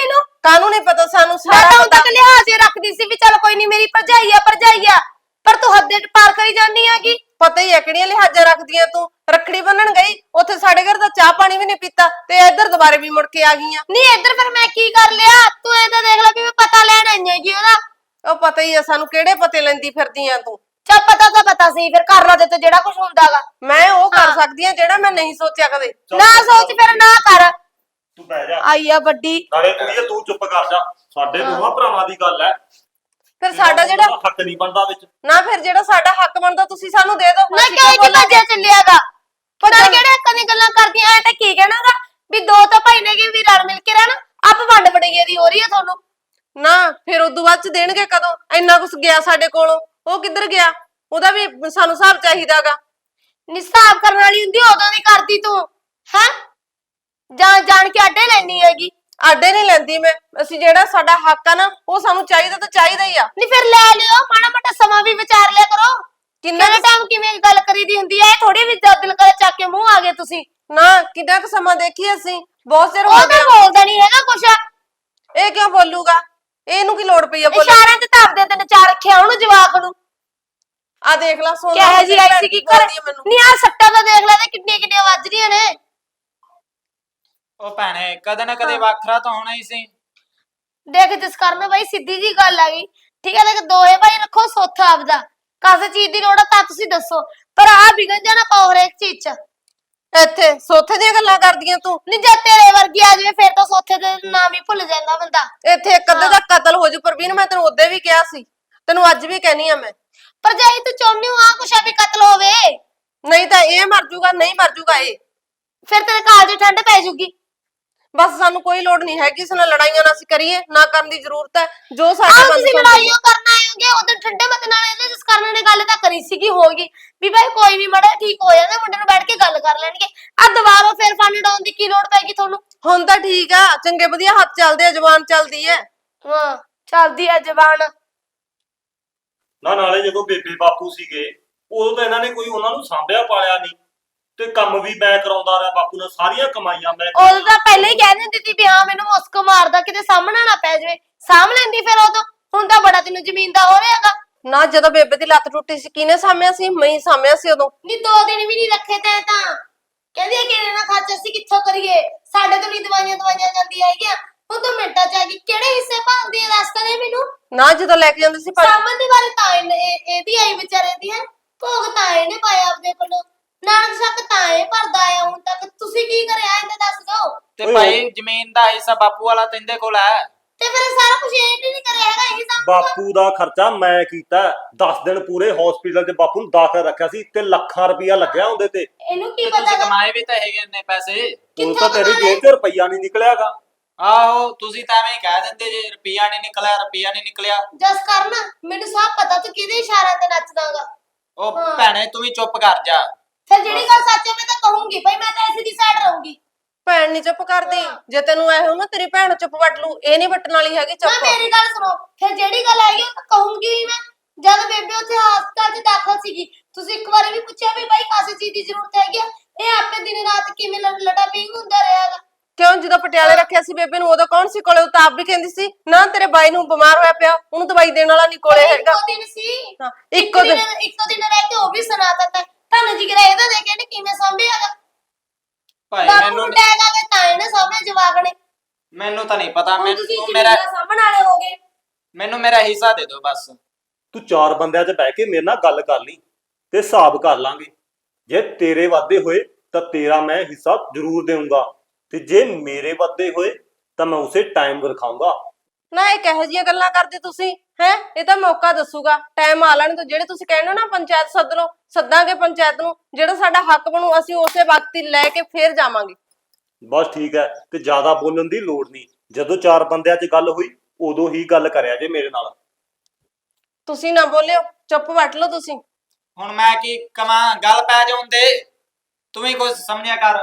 ਕਾਹਨੂੰ ਨਹੀਂ ਪਤਾ ਸਾਨੂੰ
ਮੈਂ
ਸਾਰਾ
ਤਾਂ ਹੁਣ
ਪਤਾ।
ਤੱਕ ਲਿਹਾਜ਼ ਹੀ ਰੱਖਦੀ ਸੀ ਵੀ ਚੱਲ ਕੋਈ ਨਹੀਂ ਮੇਰੀ ਭਰਜਾਈ ਆ ਪਰ ਤੂੰ ਹੱਦੇ ਪਾਰ ਕਰੀ ਜਾਂਦੀ ਹੈਗੀ।
ਪਤਾ ਹੀ ਹੈ ਕਿਹੜੀਆਂ ਲਿਹਾਜ਼ਾਂ ਰੱਖਦੀਆਂ ਤੂੰ। ਰੱਖੜੀ ਬੰਨਣ ਗਈ ਉੱਥੇ ਸਾਡੇ ਘਰ ਦਾ ਚਾਹ ਪਾਣੀ ਵੀ ਨਹੀਂ ਪੀਤਾ ਤੇ ਇੱਧਰ ਦੁਬਾਰੇ ਵੀ ਮੁੜ ਕੇ ਆ ਗਈਆਂ।
ਨਹੀਂ ਇੱਧਰ ਫਿਰ ਮੈਂ ਕੀ ਕਰ ਲਿਆ? ਤੂੰ ਇਹ ਤਾਂ ਦੇਖ ਲੈ ਵੀ ਮੈਂ ਪਤਾ ਲੈਣ ਆਈ ਹੈਗੀ ਉਹਦਾ।
ਉਹ ਪਤਾ ਹੀ ਹੈ ਸਾਨੂੰ ਕਿਹੜੇ ਪਤੇ ਲੈਂਦੀ ਫਿਰਦੀਆਂ ਤੂੰ।
ਚੱਲ ਪਤਾ ਤਾਂ ਪਤਾ ਸੀ ਫਿਰ ਕਰ ਲਾ ਤੇ ਜਿਹੜਾ ਕੁਝ ਹੁੰਦਾਗਾ।
ਮੈਂ ਉਹ ਕਰ ਸਕਦੀ ਆ ਜਿਹੜਾ ਮੈਂ ਨਹੀਂ ਸੋਚਿਆ ਕਦੇ।
ਨਾ ਸੋਚ ਫਿਰ ਨਾ ਕਰ।
ਤੂੰ ਬਹਿ ਜਾ।
ਆਈ ਆ ਵੱਡੀ।
ਨਾਲੇ ਕੁੜੀਏ ਤੂੰ ਚੁੱਪ ਕਰ ਜਾ। ਸਾਡੇ ਦੋਵਾਂ ਭਰਾਵਾਂ ਦੀ ਗੱਲ ਹੈ।
ਫਿਰ ਸਾਡਾ ਜਿਹੜਾ
ਹੱਕ ਨਹੀਂ ਬਣਦਾ ਵਿੱਚ।
ਨਾ ਫਿਰ ਜਿਹੜਾ ਸਾਡਾ ਹੱਕ ਬਣਦਾ ਤੁਸੀਂ ਸਾਨੂੰ ਦੇ ਦਿਓ।
ਨਾ
ਅਸੀਂ
ਕਿਹਾ
ਕਿਉਂ
ਕਿ
ਬੋਲਾਂਗੇ?
ਭੱਜਿਆ ਚੱਲਿਆਗਾ। ਪਤਾ ਕਿਹੜੇ ਹੱਕਾਂ ਦੀਆਂ ਗੱਲਾਂ ਕਰਦੀਆਂ ਐ ਤਾਂ ਕੀ ਕਹਿਣਾਗਾ ਵੀ ਦੋ ਤਾਂ ਭਾਈ ਨੇ ਕਿ ਵੀ ਰਲ ਮਿਲ ਕੇ ਰਹਿਣਾ। ਆਪ ਵੰਡ ਵੜਈਏ ਦੀ ਹੋ ਰਹੀ ਹੈ ਤੁਹਾਨੂੰ।
ਨਾ ਫਿਰ ਉਦੋਂ ਬਾਅਦ ਚ ਦੇਣਗੇ ਕਦੋਂ? ਇੰਨਾ ਕੁਛ ਗਿਆ ਸਾਡੇ ਕੋਲੋਂ, ਉਹ ਕਿੱਧਰ ਗਿਆ? ਉਹਦਾ ਵੀ ਸਾਨੂੰ ਹਿਸਾਬ ਚਾਹੀਦਾਗਾ।
ਨਿਸਾਬ ਕਰਨ ਵਾਲੀ ਹੁੰਦੀ ਉਦੋਂ ਦੀ ਕਰਦੀ ਤੂੰ ਹੈ ਜਾਣ ਕੇ ਅੱਡੇ ਲੈਣੀ ਹੈਗੀ।
ਆਡੇ ਨਹੀਂ ਲੈਂਦੀ ਮੈਂ। ਅਸੀਂ ਜਿਹੜਾ ਸਾਡਾ ਹੱਕ ਆ ਨਾ ਉਹ ਸਾਨੂੰ ਚਾਹੀਦਾ ਤਾਂ ਚਾਹੀਦਾ ਹੀ ਆ।
ਨਹੀਂ ਫਿਰ ਲੈ ਲਿਓ ਮਾੜਾ ਮੋਟਾ ਸਮਾਂ ਵੀ ਵਿਚਾਰ ਲਿਆ ਕਰੋ।
ਕਿੰਨਾ
ਕਿੰਨੇ ਟਾਈਮ ਕਿਵੇਂ ਗੱਲ ਕਰੀਦੀ ਹੁੰਦੀ ਹੈ ਥੋੜੀ ਵੀ ਦਿਲ ਕਰ ਚੱਕ ਕੇ ਮੂੰਹ ਆ ਗਏ ਤੁਸੀਂ।
ਨਾ ਕਿੰਨਾ ਕੁ ਸਮਾਂ ਦੇਖੀ ਅਸੀਂ, ਬਹੁਤ ਚਿਰ ਹੋ
ਉਹ ਤਾਂ
ਗਿਆ।
ਬੋਲਦਾ ਨਹੀਂ ਹੈਗਾ ਕੁਛ।
ਇਹ ਕਿਉਂ ਬੋਲੂਗਾ? ਇਹਨੂੰ ਕੀ ਲੋੜ ਪਈ ਆ ਬੋਲਣ ਦੀ?
ਇਸ਼ਾਰਿਆਂ ਤੇ ਧਰਦੇ ਤੇ ਨਚਾ ਰੱਖਿਆ ਉਹਨੂੰ ਜਵਾਕ ਨੂੰ।
ਆ ਦੇਖ ਲੈ ਸੋਨਾ
ਕਿਹੋ ਜੀ ਆਈ ਸੀ ਕੀ ਕਰ
ਮੈਨੂੰ।
ਨਹੀਂ ਆ ਸੱਟਾਂ ਤਾਂ ਦੇਖ ਲੈ ਤੇ ਕਿੰਨੀਆਂ ਕਿੰਨੀਆਂ ਵੱਜ ਰਹੀਆਂ ਨੇ।
ਉਹ ਭੈਣੇ ਕਦੇ ਨਾ ਕਦੇ ਵੱਖਰਾ ਤਾਂ ਹੋਣਾ ਹੀ ਸੀ।
ਦੇਖ ਜਿਸ ਕਾਰਨ ਬਾਈ ਸਿੱਧੀ ਜੀ ਗੱਲ ਆ ਗਈ ਠੀਕ ਹੈ। ਦੇਖ ਦੋਏ ਭਾਈ ਰੱਖੋ ਸੁੱਥ ਆਪਦਾ। ਕਾਸੇ ਚੀਜ਼ ਦੀ ਲੋੜ ਆ ਤਾਂ ਤੁਸੀਂ ਦੱਸੋ ਪਰ ਆ ਵਿਗੜ ਜਾਣਾ ਪਾਓ ਹਰੇਕ ਚੀਜ਼ ਚ।
ਇੱਥੇ ਸੋਥੇ ਦੀਆਂ ਗੱਲਾਂ ਕਰਦੀਆਂ ਤੂੰ।
ਨਹੀਂ ਜੇ ਤੇਰੇ ਵਰਗੀ ਆ ਜਾਵੇ ਫਿਰ ਤਾਂ ਸੋਥੇ ਦੇ ਨਾਮ ਹੀ ਭੁੱਲ ਜਾਂਦਾ ਬੰਦਾ।
ਇੱਥੇ ਇੱਕ ਅੱਧੇ ਦਾ ਕਤਲ ਹੋ ਜੂ। ਪ੍ਰਵੀਨ ਮੈਂ ਤੈਨੂੰ ਉਦੋਂ ਵੀ ਕਿਹਾ ਸੀ, ਤੈਨੂੰ ਅੱਜ ਵੀ ਕਹਿਨੀ ਆ ਮੈਂ।
ਪਰ ਜੇ ਤੂੰ ਚਾਹੁੰਦੀ ਹੋ ਆ ਕੁਛ ਆ ਵੀ ਕਤਲ ਹੋਵੇ
ਨਹੀਂ ਤਾਂ ਇਹ ਮਰ ਜੂਗਾ, ਨਹੀਂ ਮਰ ਜੂਗਾ ਇਹ।
ਫਿਰ ਤੇਰੇ ਕਾਲ ਦੀ ਠੰਡ ਪੈ ਜੂਗੀ।
ਬਸ ਸਾਨੂੰ ਕੋਈ ਲੋੜ ਨਹੀਂ ਹੈ ਕਿਸੇ ਨਾਲ ਲੜਾਈਆਂ ਨਾ ਅਸੀਂ ਕਰੀਏ, ਨਾ ਕਰਨ ਦੀ ਜ਼ਰੂਰਤ ਹੈ। ਜੋ ਸਾਡਾ
ਆਹ
ਬੰਦ
ਤੁਸੀਂ ਲੜਾਈਆਂ ਕਰਨ ਆਏ ਹੋਗੇ ਉਦੋਂ ਠੰਡੇ ਮਤ ਨਾਲ ਇਹਦੇ ਜਿਸ ਕਾਰਨ ਨੇ ਗੱਲ ਤਾਂ ਕਰੀ ਸੀਗੀ ਹੋਗੀ ਵੀ ਭਾਈ ਕੋਈ ਨਹੀਂ ਮੜਾ ਠੀਕ ਹੋ ਜਾਂਦਾ ਮੁੰਡੇ ਨੂੰ ਬੈਠ ਕੇ ਗੱਲ ਕਰ ਲੈਣਗੇ। ਆ ਦੁਬਾਰਾ ਫਿਰ ਫਨ ਡਾਉਣ ਦੀ ਕੀ ਲੋੜ ਪੈਗੀ ਤੁਹਾਨੂੰ?
ਹੁਣ ਤਾਂ ਠੀਕ ਆ, ਚੰਗੇ ਵਧੀਆ ਹੱਥ ਚੱਲਦੇ ਆ, ਜ਼ੁਬਾਨ ਚੱਲਦੀ ਹੈ।
ਹਾਂ ਚੱਲਦੀ ਆ ਜ਼ਬਾਨ।
ਨਾਲੇ ਜਦੋਂ ਬੇਬੇ ਬਾਪੂ ਸੀਗੇ ਉਦੋਂ ਤਾਂ ਇਹਨਾਂ ਨੇ ਕੋਈ ਉਹਨਾਂ ਨੂੰ ਸਾਂਭਿਆ ਪਾਲਿਆ ਨਹੀਂ ਤੇ ਕੰਮ ਵੀ ਮੈਂ ਕਰਾਉਂਦਾ ਰਿਹਾ ਬਾਪੂ ਨਾਲ। ਸਾਰੀਆਂ ਕਮਾਈਆਂ ਮੈਂ
ਉਦੋਂ ਤਾਂ ਪਹਿਲਾਂ ਹੀ ਕਹਿ ਦਿੰਦੀ ਸੀ ਵੀ ਹਾਂ ਮੈਨੂੰ ਮੁਸਕ ਮਾਰਦਾ ਕਿਤੇ ਸਾਹਮਣਾ ਨਾ ਪੈ ਜਾਵੇ। ਸਾਂਭ ਲੈਂਦੀ ਫਿਰ ਉਦੋਂ। ਹੁਣ ਤਾਂ ਬੜਾ ਤੈਨੂੰ ਜ਼ਮੀਨ ਦਾ ਹੋ ਰਿਹਾਗਾ।
ਨਾ ਜਦੋਂ ਬੇਬੇ ਦੀ ਲੱਤ ਟੁੱਟੀ ਸੀ ਕਿਹਨੇ ਸਾਂਭਿਆ ਸੀ? ਮੈਂ ਹੀ ਸਾਂਭਿਆ ਸੀ ਉਦੋਂ।
ਨਹੀਂ 2 ਦਿਨ ਵੀ ਨਹੀਂ ਰੱਖੇ ਤੈਂ ਤਾਂ। ਕਹਿੰਦੀ ਆ ਕਿਹੜੇ ਨਾਲ ਖਰਚ ਅਸੀਂ ਕਿੱਥੋਂ ਕਰੀਏ ਸਾਡੇ ਤੋਂ ਨਹੀਂ ਦਵਾਈਆਂ ਜਾਂਦੀਆਂ ਹੈਗੀਆਂ। ਹੁਣ ਤੂੰ ਮਿੰਟਾਂ ਚ ਆ ਗਈ ਕਿਹੜੇ ਹਿੱਸੇ ਭਾਲਦੀ ਆ ਦੱਸ ਤਾਂ ਦੇ ਮੈਨੂੰ।
ਨਾ ਜਦੋਂ ਲੈ ਕੇ ਜਾਂਦੇ ਸੀ
ਸਾਮਨ ਦੀ ਵਾਰੀ ਤਾਂ ਇਹਦੀ ਆਈ ਵਿਚਾਰੇ ਦੀ ਹੈ ਭੋਗ ਤਾਂ ਇਹਨੇ ਪਾਇਆ ਆਪਦੇ ਕੋਲੋਂ। ਨਾਨਕ ਸ਼ੱਕ ਤਾਂ ਇਹ ਭਰਦਾ ਆਇਆ ਹੁਣ ਤੱਕ। ਤੁਸੀਂ ਕੀ ਕਰਿਆ ਇਹਨੇ ਦੱਸ ਦਿਓ।
ਤੇ ਭਾਈ ਜ਼ਮੀਨ ਦਾ ਹਿੱਸਾ ਬਾਪੂ ਵਾਲਾ ਤੈਂਦੇ ਕੋਲ ਹੈ।
ਤੇ ਫਿਰ ਸਾਰਾ ਕੁਝ ਇਹ ਨਹੀਂ ਕਰਿਆ ਹੈਗਾ ਇਹ ਸਭ।
ਬਾਪੂ ਦਾ ਖਰਚਾ ਮੈਂ ਕੀਤਾ। 10 ਦਿਨ ਪੂਰੇ ਹਸਪੀਟਲ 'ਚ ਬਾਪੂ ਨੂੰ ਦਾਖਲ ਰੱਖਿਆ ਸੀ ਤੇ ਲੱਖਾਂ ਰੁਪਇਆ ਲੱਗਿਆ ਉਹਦੇ ਤੇ।
ਇਹਨੂੰ ਕੀ
ਤੇ
ਪਤਾ
ਤੁਸੀਂ
ਗਾ?
ਕਮਾਏ ਵੀ ਤਾਂ ਹੈਗੇ ਨੇ ਪੈਸੇ।
ਹੁਣ ਤਾਂ ਤੇਰੀ ਜੇਬ 'ਚ ਰੁਪਈਆ ਨਹੀਂ ਨਿਕਲਿਆਗਾ।
ਆਹੋ ਤੁਸੀਂ ਤਾਂ ਐਵੇਂ ਹੀ ਕਹਿ ਦਿੰਦੇ ਜੇ ਰੁਪਈਆ ਨਹੀਂ ਨਿਕਲਿਆ।
ਜਸ ਕਰਨ ਮੈਨੂੰ ਸਭ ਪਤਾ ਤੂੰ ਕਿਹਦੇ ਇਸ਼ਾਰਿਆਂ ਤੇ ਨੱਚਦਾਗਾ।
ਉਹ
ਹਾਂ।
ਭੈਣੇ ਤੂੰ ਵੀ ਚੁੱਪ ਕਰ ਜਾ।
ਫਿਰ ਜਿਹੜੀ ਗੱਲ ਸੱਚ ਹੈ ਮੈਂ ਤਾਂ ਕਹੂੰਗੀ ਭਾਈ ਮੈਂ ਤਾਂ ਐਸੀ ਦੀ ਸਾਈਡ ਰਹੂੰਗੀ।
ਭੈਣ ਨਹੀਂ ਚੁੱਪ ਕਰਦੀ। ਜੇ ਤੈਨੂੰ ਐ ਹੋ ਨਾ ਤੇਰੀ ਭੈਣ ਚੁੱਪ ਵੱਟ ਲੂ, ਇਹ ਨਹੀਂ ਵੱਟਣ ਵਾਲੀ ਹੈਗੀ
ਨਾ
ਚੁੱਪ।
ਮੇਰੀ ਗੱਲ ਸੁਣੋ ਫਿਰ ਜਿਹੜੀ ਗੱਲ ਹੈਗੀ ਉਹ ਤਾਂ ਕਹੂੰਗੀ ਹੀ ਮੈਂ। ਜਦ ਬੇਬੇ ਉੱਥੇ ਹਸਪਤਾਲ 'ਚ ਦਾਖਲ ਸੀਗੀ ਤੁਸੀਂ ਇੱਕ ਵਾਰੀ ਵੀ ਪੁੱਛਿਆ ਵੀ ਭਾਈ ਕਾਸੇ ਚੀਜ਼ ਦੀ ਜ਼ਰੂਰਤ ਹੈਗੀ ਆ? ਇਹ ਆਪੇ ਦਿਨ ਰਾਤ ਕਿਵੇਂ ਲੜਾ ਪਿੰਗ ਹੁੰਦਾ ਰਿਹਾਗਾ।
ਕਿਉਂ ਜਦੋਂ ਪਟਿਆਲੇ ਰੱਖਿਆ ਸੀ ਬੇਬੇ ਨੂੰ ਉਦੋਂ ਕੌਣ ਸੀ ਕੋਲੇ? ਉਹ ਤਾਂ ਆਪ ਵੀ ਕਹਿੰਦੀ ਸੀ ਨਾ ਤੇਰੇ ਬਾਈ ਨੂੰ ਬਿਮਾਰ ਹੋਇਆ ਪਿਆ, ਉਹਨੂੰ ਦਵਾਈ ਦੇਣ ਵਾਲਾ ਨਹੀਂ ਕੋਲੇ ਹੈਗਾ।
ਇੱਕੋ ਦਿਨ ਸੀ।
ਹਾਂ, ਇੱਕੋ ਦਿਨ।
ਇੱਕੋ ਦਿਨ ਰਹਿ ਕੇ ਉਹ ਵੀ ਸੁਣਾ ਦਿੱਤਾ। ਤੁਹਾਨੂੰ ਜਿਗਰਾ ਇਹਦਾ ਦੇ ਕੇ ਇਹਨੇ ਕਿਵੇਂ ਸੰਭਿਆਗਾ?
ਭਾਈ
ਬਾਪੂ ਨੂੰ ਟੈਗ ਆ ਕੇ ਤਾਂ ਇਹਨੇ ਸਾਹਮਣੇ ਜਵਾਕ ਨੇ।
ਮੈਨੂੰ ਤਾਂ ਨਹੀਂ ਪਤਾ।
ਹੁਣ ਤੁਸੀਂ
ਮੈਨੂੰ
ਜ਼ਮੀਨ ਦਾ ਸਾਂਭਣ ਵਾਲੇ ਹੋਗੇ।
ਮੈਨੂੰ ਮੇਰਾ ਹਿੱਸਾ ਦੇ ਦਿਓ ਬਸ।
ਤੂੰ 4 ਬੰਦਿਆਂ 'ਚ ਬਹਿ ਕੇ ਮੇਰੇ ਨਾਲ ਗੱਲ ਕਰ ਲਈ ਤੇ ਹਿਸਾਬ ਕਰ ਲਾਂਗੇ। ਜੇ ਤੇਰੇ ਵਾਧੇ ਹੋਏ ਤਾਂ ਤੇਰਾ ਮੈਂ ਹਿੱਸਾ ਜ਼ਰੂਰ ਦੇਵਾਂਗਾ ਤੇ ਜੇ ਮੇਰੇ ਵਾਧੇ ਹੋਏ ਤਾਂ ਮੈਂ ਉਸੇ ਟਾਈਮ ਰਖਾਉਂਗਾ।
ਨਾ ਇਹ ਕਿਹੋ ਜਿਹੀਆਂ ਗੱਲਾਂ ਕਰਦੇ ਤੁਸੀਂ ਹੈ? ਇਹ ਤਾਂ ਮੌਕਾ ਦੱਸੂਗਾ, ਟਾਈਮ ਆ ਲੈਣ ਤੋਂ। ਜਿਹੜੇ ਤੁਸੀਂ ਕਹਿੰਦੇ ਹੋ ਨਾ ਪੰਚਾਇਤ ਸੱਦ ਲਓ, ਸੱਦਾਂਗੇ ਪੰਚਾਇਤ ਨੂੰ। ਜਿਹੜਾ ਸਾਡਾ ਹੱਕ ਬਣੂ ਅਸੀਂ ਉਸੇ ਵਕਤ ਹੀ ਲੈ ਕੇ ਫੇਰ ਜਾਵਾਂਗੇ।
ਬਸ ਠੀਕ ਹੈ ਤੇ ਜ਼ਿਆਦਾ ਬੋਲਣ ਦੀ ਲੋੜ ਨਹੀਂ। ਜਦੋਂ 4 ਬੰਦਿਆਂ 'ਚ ਗੱਲ ਹੋਈ ਉਦੋਂ ਹੀ ਗੱਲ ਕਰਿਆ ਜੇ ਮੇਰੇ ਨਾਲ।
ਤੁਸੀਂ ਨਾ ਬੋਲਿਓ, ਚੁੱਪ ਵੱਟ ਲਓ ਤੁਸੀਂ।
ਹੁਣ ਮੈਂ ਕੀ ਕਵਾਂ? ਗੱਲ ਪੈ ਜਾਉਣ ਦੇ। ਤੂੰ ਵੀ ਕੁਝ ਸਮਝਿਆ ਕਰ।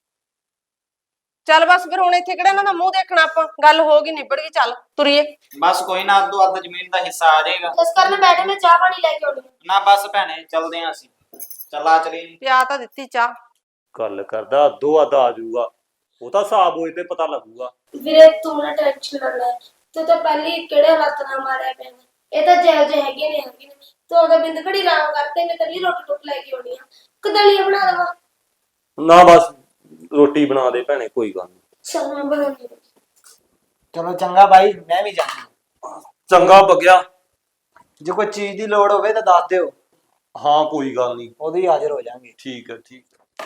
ਚੱਲ ਬਸ ਫਿਰ ਹੁਣ ਇੱਥੇ ਕਿਹੜਾ ਇਹਨਾਂ ਦਾ ਮੂੰਹ ਦੇਖਣਾ ਆਪਾਂ। ਗੱਲ ਹੋ ਗਈ ਨਿਬੜ ਗਈ, ਚੱਲ ਤੁਰੀਏ।
ਬਸ ਕੋਈ ਨਾ ਅੱਧੋ ਅੱਧ ਜ਼ਮੀਨ ਦਾ ਹਿੱਸਾ ਆ ਜਾਏਗਾ।
ਜਸ ਕਰਨ ਬੈਠੇ ਮੈਂ ਚਾਹ ਪਾਣੀ ਲੈ ਕੇ ਆਉਣੀ।
ਨਾ ਬਸ ਭੈਣੇ ਚੱਲਦੇ ਆਂ ਅਸੀਂ। ਚੱਲਾ ਚਲੀ।
ਪਿਆ ਤਾਂ ਦਿੱਤੀ ਚਾਹ।
ਗੱਲ ਕਰਦਾ ਅੱਧੋ ਅੱਧ ਆ ਜਾਊਗਾ। ਉਹ ਤਾਂ ਹਿਸਾਬ ਹੋਏ ਤੇ ਪਤਾ ਲੱਗੂਗਾ।
ਵੀਰੇ ਤੂੰ ਨਾ ਟੈਨਸ਼ਨ ਨਾ ਲੈ, ਤੂੰ ਤਾਂ ਪਹਿਲੀ ਕਿਹੜੇ ਹਾਲਾਤ ਨਾਲ ਮਾਰਿਆ ਪਿਆ ਗਾ। ਇਹ ਤਾਂ ਜਿਹੋ ਜਿਹੇ ਹੈਗੇ ਨੇ ਤੂੰ ਉਹਦਾ ਬਿੰਦ ਘੜੀ ਆਰਾਮ ਕਰਤੇ, ਮੈਂ ਕੱਲੀ ਰੋਟੀ ਟੁੱਕ ਲੈ ਕੇ ਆਉਣੀ ਆ, ਕਦਲੀਆ ਬਣਾ ਦੇਵਾਂ।
ਨਾ ਬਸ ਰੋਟੀ ਬਣਾ ਦੇ ਭੈਣੇ, ਕੋਈ ਗੱਲ ਨਹੀਂ।
ਚਲ ਮੈਂ ਬਣਾਉਂਦੀ ਹਾਂ।
ਚਲੋ ਚੰਗਾ ਬਾਈ, ਮੈਂ ਵੀ ਜਾਣਾ।
ਚੰਗਾ ਬਗਿਆ।
ਜੇ ਕੋਈ ਚੀਜ਼ ਦੀ ਲੋੜ ਹੋਵੇ ਤਾਂ ਦੱਸ ਦਿਓ,
ਹਾਂ ਕੋਈ ਗੱਲ ਨਹੀਂ,
ਉਦੋਂ ਹੀ ਹਾਜ਼ਰ ਹੋ ਜਾਾਂਗੇ।
ਠੀਕ ਹੈ ਠੀਕ ਹੈ।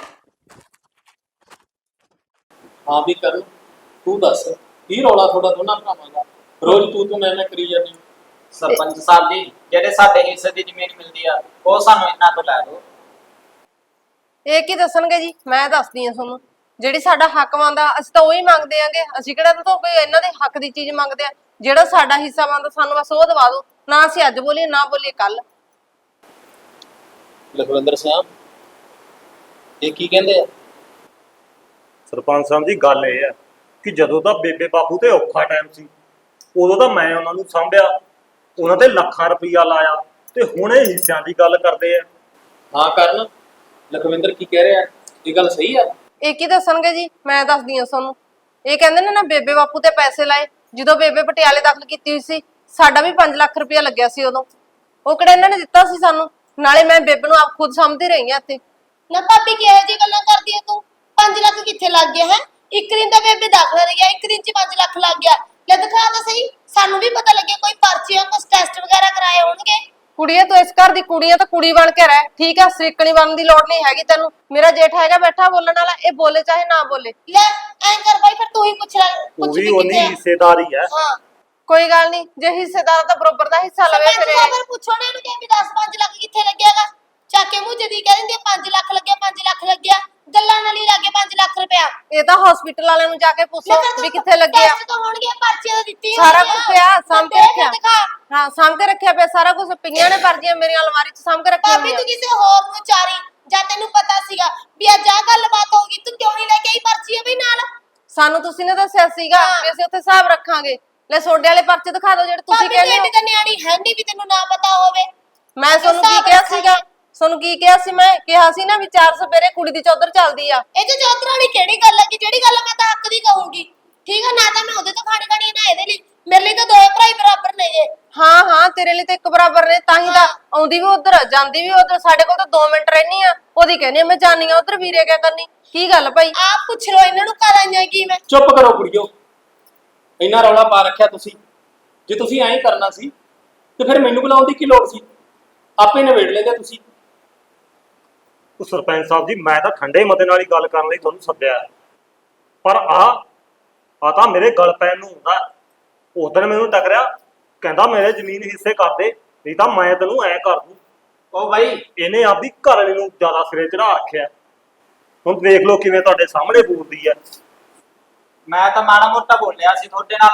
ਹਾਂ ਵੀ ਕਰਨ, ਤੂੰ ਦੱਸ ਕੀ ਰੌਲਾ ਤੁਹਾਡਾ ਦੋਨਾਂ ਭਰਾਵਾਂ ਦਾ? ਰੋਜ਼ ਤੂੰ ਮੈਂ ਕਰੀ ਜਾਂਦੀ।
ਸਰਪੰਚ ਸਾਹਿਬ ਜੀ, ਜਿਹੜੇ ਸਾਡੇ ਹਿੱਸੇ ਦੀ ਜ਼ਮੀਨ ਮਿਲਦੀ ਆ ਉਹ ਸਾਨੂੰ ਇਹਨਾਂ ਤੋਂ ਲੈ ਦਿਓ।
ਇਹ ਕੀ ਦੱਸਣਗੇ ਜੀ, ਮੈਂ ਦੱਸਦੀ ਆ ਤੁਹਾਨੂੰ। ਜਿਹੜੀ ਸਾਡਾ ਹੱਕ ਬਣਦਾ ਅਸੀਂ ਤਾਂ ਉਹੀ ਮੰਗਦੇ ਆਂਗੇ, ਅਸੀਂ ਕਿਹੜਾ ਤਾਂ ਕੋਈ ਇਹਨਾਂ ਦੇ ਹੱਕ ਦੀ ਚੀਜ਼ ਮੰਗਦੇ ਆ। ਜਿਹੜਾ ਸਾਡਾ ਹਿੱਸਾ ਬਣਦਾ ਸਾਨੂੰ ਬਸ ਉਹ ਦਵਾ ਦਿਓ, ਨਾ ਅਸੀਂ ਅੱਜ ਬੋਲੀਏ ਨਾ ਬੋਲੀਏ ਕੱਲ।
ਲਖਵਿੰਦਰ ਸਿੰਘ ਇਹ ਕੀ ਕਹਿੰਦੇ ਆ?
ਸਰਪੰਚ ਸਾਹਿਬ ਜੀ, ਗੱਲ ਇਹ ਹੈ ਕਿ ਜਦੋਂ ਤਾਂ ਬੇਬੇ ਬਾਪੂ ਤੇ ਔਖਾ ਟਾਈਮ ਸੀ, ਉਦੋਂ ਤਾਂ ਮੈਂ ਉਹਨਾਂ ਨੂੰ ਸਾਂਭਿਆ, ਉਹਨਾਂ ਤੇ ਲੱਖਾਂ ਰੁਪਈਆ ਲਾਇਆ, ਤੇ ਹੁਣ ਇਹ ਹਿੱਸਿਆਂ ਦੀ ਗੱਲ ਕਰਦੇ ਆ।
ਹਾਂ ਕਰਨ, ਲਖਵਿੰਦਰ ਕੀ ਕਹਿ ਰਿਹਾ? ਇਹ ਗੱਲ ਸਹੀ ਆ?
ਇਹ ਕੀ ਦੱਸਣਗੇ ਜੀ, ਮੈਂ ਦੱਸਦੀ ਆ ਤੁਹਾਨੂੰ। ਇਹ ਕਹਿੰਦੇ ਨੇ ਨਾ ਬੇਬੇ ਬਾਪੂ ਤੇ ਪੈਸੇ ਲਾਏ, ਜਦੋਂ ਬੇਬੇ ਪਟਿਆਲੇ ਦਾਖਲ ਕੀਤੀ ਹੋਈ ਸੀ ਸਾਡਾ ਵੀ 5 ਲੱਖ ਰੁਪਇਆ ਲੱਗਿਆ ਸੀ ਉਦੋਂ, ਉਹ ਕਿਹੜਾ ਇਹਨਾਂ ਨੇ ਦਿੱਤਾ ਸੀ ਸਾਨੂੰ। ਨਾਲੇ ਮੈਂ ਬੇਬੇ ਨੂੰ ਆਪ ਖੁਦ ਸਮਝਦੀ ਰਹੀ ਆ ਇੱਥੇ।
ਨਾ ਭਾਬੀ ਕਿਹੋ ਜਿਹੀ ਗੱਲਾਂ ਕਰਦੀ ਐ ਤੂੰ? 5 ਲੱਖ ਕਿੱਥੇ ਲੱਗ ਗਿਆ ਹੈ? ਇੱਕ ਦਿਨ ਦਾ ਬੇਬੇ ਦਾਖਲਾ ਰਹਿ ਗਿਆ, ਇੱਕ ਦਿਨ ਚ 5 ਲੱਖ ਲੱਗ ਗਿਆ। ਲੈ ਦਿਖਾ ਤਾਂ ਸਹੀ, ਸਾਨੂੰ ਵੀ ਪਤਾ ਲੱਗਿਆ ਕੋਈ ਪਰਚੀਆਂ ਕੁਝ ਟੈਸਟ ਵਗੈਰਾ ਕਰਾਏ ਹੋਣਗੇ।
ਕੁੜੀਏ ਤੂੰ ਇਸ ਘਰ ਦੀ ਕੁੜੀ ਆ ਤਾਂ ਕੁੜੀ ਬਣ ਕੇ ਰਹਿ, ਠੀਕ ਆ? ਸਰੀਕਣੀ ਬਣਨ ਦੀ ਲੋੜ ਨਹੀਂ ਹੈਗੀ ਤੈਨੂੰ। ਮੇਰਾ ਜੇਠ ਹੈਗਾ ਬੈਠਾ ਬੋਲਣ ਵਾਲਾ, ਇਹ ਬੋਲੇ ਚਾਹੇ ਨਾ ਬੋਲੇ।
ਲੈ ਐਂ ਕਰ ਬਾਈ, ਫਿਰ ਤੂੰ ਹੀ ਪੁੱਛ ਲੈ,
ਉਹ
ਪੁੱਛ
ਵੀ
ਵੀ
ਉਹਨੀ
ਕਿੱਥੇ ਆ?
ਹਿੱਸੇਦਾਰੀ ਹੈ।
ਹਾਂ
ਕੋਈ ਗੱਲ ਨਹੀਂ, ਜੇ ਹਿੱਸੇਦਾਰ ਤਾਂ ਬਰੋਬਰ ਦਾ ਹਿੱਸਾ ਲਵੇ ਫਿਰ ਇਹ।
ਫਿਰ ਪੁੱਛੋ ਨਾ ਇਹਨੂੰ ਕਿ ਵੀ 10-5 ਲੱਖ ਕਿੱਥੇ ਲੱਗਿਆਗਾ? ਚੱਕ ਕੇ ਮੂੰਹ ਜਦੀ ਕਹਿ ਦਿੰਦੀ 5 ਲੱਖ ਲੱਗਿਆ, 5 ਲੱਖ ਲੱਗਿਆ, ਗੱਲਾਂ ਨਾਲ ਹੀ ਲੱਗੇ 5 ਲੱਖ ਰੁਪਇਆ।
ਇਹ ਤਾਂ ਹਸਪੀਟਲ ਵਾਲਿਆਂ ਨੂੰ ਜਾ ਕੇ ਪੁੱਛੋ ਵੀ ਕਿੱਥੇ ਲੱਗਿਆ।
ਟੈਸਟ ਤਾਂ ਹੋਣਗੇ, ਪਰਚੀਆਂ ਤਾਂ ਦਿੱਤੀਆਂ
ਸਾਰਾ
ਹੋਣਗੀਆਂ।
ਕੁਝ ਪਿਆ ਸਾਂਭ ਕੇ
ਦੇਖ
ਰੱਖਿਆ।
ਦਿਖਾ।
ਹਾਂ ਸਾਂਭ ਕੇ ਰੱਖਿਆ ਪਿਆ ਸਾਰਾ ਕੁਝ, ਪਈਆਂ ਨੇ ਪਰਚੀਆਂ ਮੇਰੀ ਅਲਮਾਰੀ 'ਚ ਸਾਂਭ ਕੇ ਰੱਖੀਆਂ
ਭਾਬੀ
ਹੋਈਆਂ।
ਤੂੰ ਕਿਸੇ ਹੋਰ ਨੂੰ ਚਾਰੀ, ਜਾਂ ਤੈਨੂੰ ਪਤਾ ਸੀਗਾ ਵੀ ਅੱਜ ਆਹ ਗੱਲਬਾਤ ਹੋਊਗੀ, ਤੂੰ ਕਿਉਂ ਨਹੀਂ ਲੈ ਕੇ ਆਈ ਪਰਚੀ ਵੀ ਨਾਲ?
ਸਾਨੂੰ ਤੁਸੀਂ ਨੇ ਦੱਸਿਆ ਸੀਗਾ ਵੀ ਅਸੀਂ ਉੱਥੇ ਹਿਸਾਬ ਰੱਖਾਂਗੇ। ਲੈ ਸੋਡੇ ਵਾਲੇ ਪਰਚੇ ਦਿਖਾ ਦਿਓ ਜਿਹੜੇ ਤੁਸੀਂ
ਭਾਬੀ
ਕਹਿੰਦੇ ਹੋ।
ਤੇਰੀ ਤਾਂ ਨਿਆਣੀ ਹੈ ਨਹੀਂ ਵੀ ਤੈਨੂੰ ਨਾ ਪਤਾ ਹੋਵੇ।
ਮੈਂ ਤੁਹਾਨੂੰ ਕੀ ਕਿਹਾ ਸੀਗਾ? ਤੁਹਾਨੂੰ ਕੀ ਕਿਹਾ ਸੀ? ਮੈਂ ਕਿਹਾ ਸੀ ਨਾ ਵੀ 4 ਸਵੇਰੇ ਕੁੜੀ ਦੀ ਚੌਧਰ ਚੱਲਦੀ ਆ।
ਇਹ ਤੇ ਚੌਧਰ ਵਾਲੀ ਕਿਹੜੀ ਗੱਲ ਹੈ ਕਿ ਜਿਹੜੀ ਗੱਲ ਮੈਂ ਤਾਂ ਹੱਕ ਦੀ ਕਹੂੰਗੀ। ਠੀਕ ਹੈ ਨਾ, ਤਾਂ ਮੈਂ ਉਹਦੇ ਤੋਂ ਖਾਣੀ ਨਾ ਇਹਦੇ ਲਈ। ਮੇਰੇ ਲਈ ਤਾਂ ਦੋਏ ਭਰਾ ਹੀ ਬਰਾਬਰ ਨੇ ਜੇ।
ਹਾਂ ਹਾਂ ਤੇਰੇ ਲਈ ਤਾਂ ਇੱਕ ਬਰਾਬਰ ਨੇ, ਤਾਂ ਹੀ ਤਾਂ ਆਉਂਦੀ ਵੀ ਉਧਰ ਜਾਂਦੀ ਵੀ ਉਧਰ। ਸਾਡੇ ਕੋਲ ਤਾਂ 2 ਮਿੰਟ ਰਹਿਣੀ ਆ, ਉਹਦੀ ਕਹਿੰਦੀ ਮੈਂ ਜਾਣੀ ਆ ਉਧਰ, ਵੀਰੇ ਕਿਆ ਕਰਨੀ? ਕੀ ਗੱਲ ਭਾਈ?
ਆਪ ਪੁੱਛ ਲੋ ਇਹਨਾਂ ਨੂੰ ਕਰ ਆਈਆਂ ਕੀ ਮੈਂ।
ਚੁੱਪ ਕਰੋ ਕੁੜੀਓ, ਇੰਨਾ ਰੌਲਾ ਪਾ ਰੱਖਿਆ ਤੁਸੀਂ। ਜੇ ਤੁਸੀਂ ਐਂ ਕਰਨਾ ਸੀ ਤੇ ਫਿਰ ਮੈਨੂੰ ਬੁਲਾਉਣ ਦੀ ਕੀ ਲੋੜ ਸੀ? ਆਪੇ ਨਿਬੇੜ ਲੈਂਦੇ ਤੁਸੀਂ।
ਉਹ ਸਰਪੰਚ ਸਾਹਿਬ ਜੀ, ਮੈਂ ਤਾਂ ਠੰਡੇ ਮਤੇ ਨਾਲ ਹੀ ਗੱਲ ਕਰਨ ਲਈ ਤੁਹਾਨੂੰ ਸੱਦਿਆ, ਪਰ ਆ ਤਾਂ ਮੇਰੇ ਗਲ ਪੈਣ ਨੂੰ ਹੁੰਦਾ। ਉਧਰ ਮੈਨੂੰ ਟਕਰਿਆ, ਕਹਿੰਦਾ ਮੇਰੇ ਜ਼ਮੀਨ ਹਿੱਸੇ ਕਰ ਦੇ, ਨਹੀਂ ਤਾਂ ਮੈਂ ਤੈਨੂੰ ਐ ਕਰ ਦੂੰ।
ਉਹ ਬਾਈ,
ਇਹਨੇ ਆਪਦੀ ਘਰ ਵਾਲੀ ਨੂੰ ਜ਼ਿਆਦਾ ਸਿਰੇ ਚੜਾ ਰੱਖਿਆ। ਹੁਣ ਦੇਖ ਲਓ ਕਿਵੇਂ ਤੁਹਾਡੇ ਸਾਹਮਣੇ ਬੋਲਦੀ ਹੈ।
ਮੈਂ ਤਾਂ ਮਾੜਾ ਮੋਟਾ ਬੋਲਿਆ ਸੀ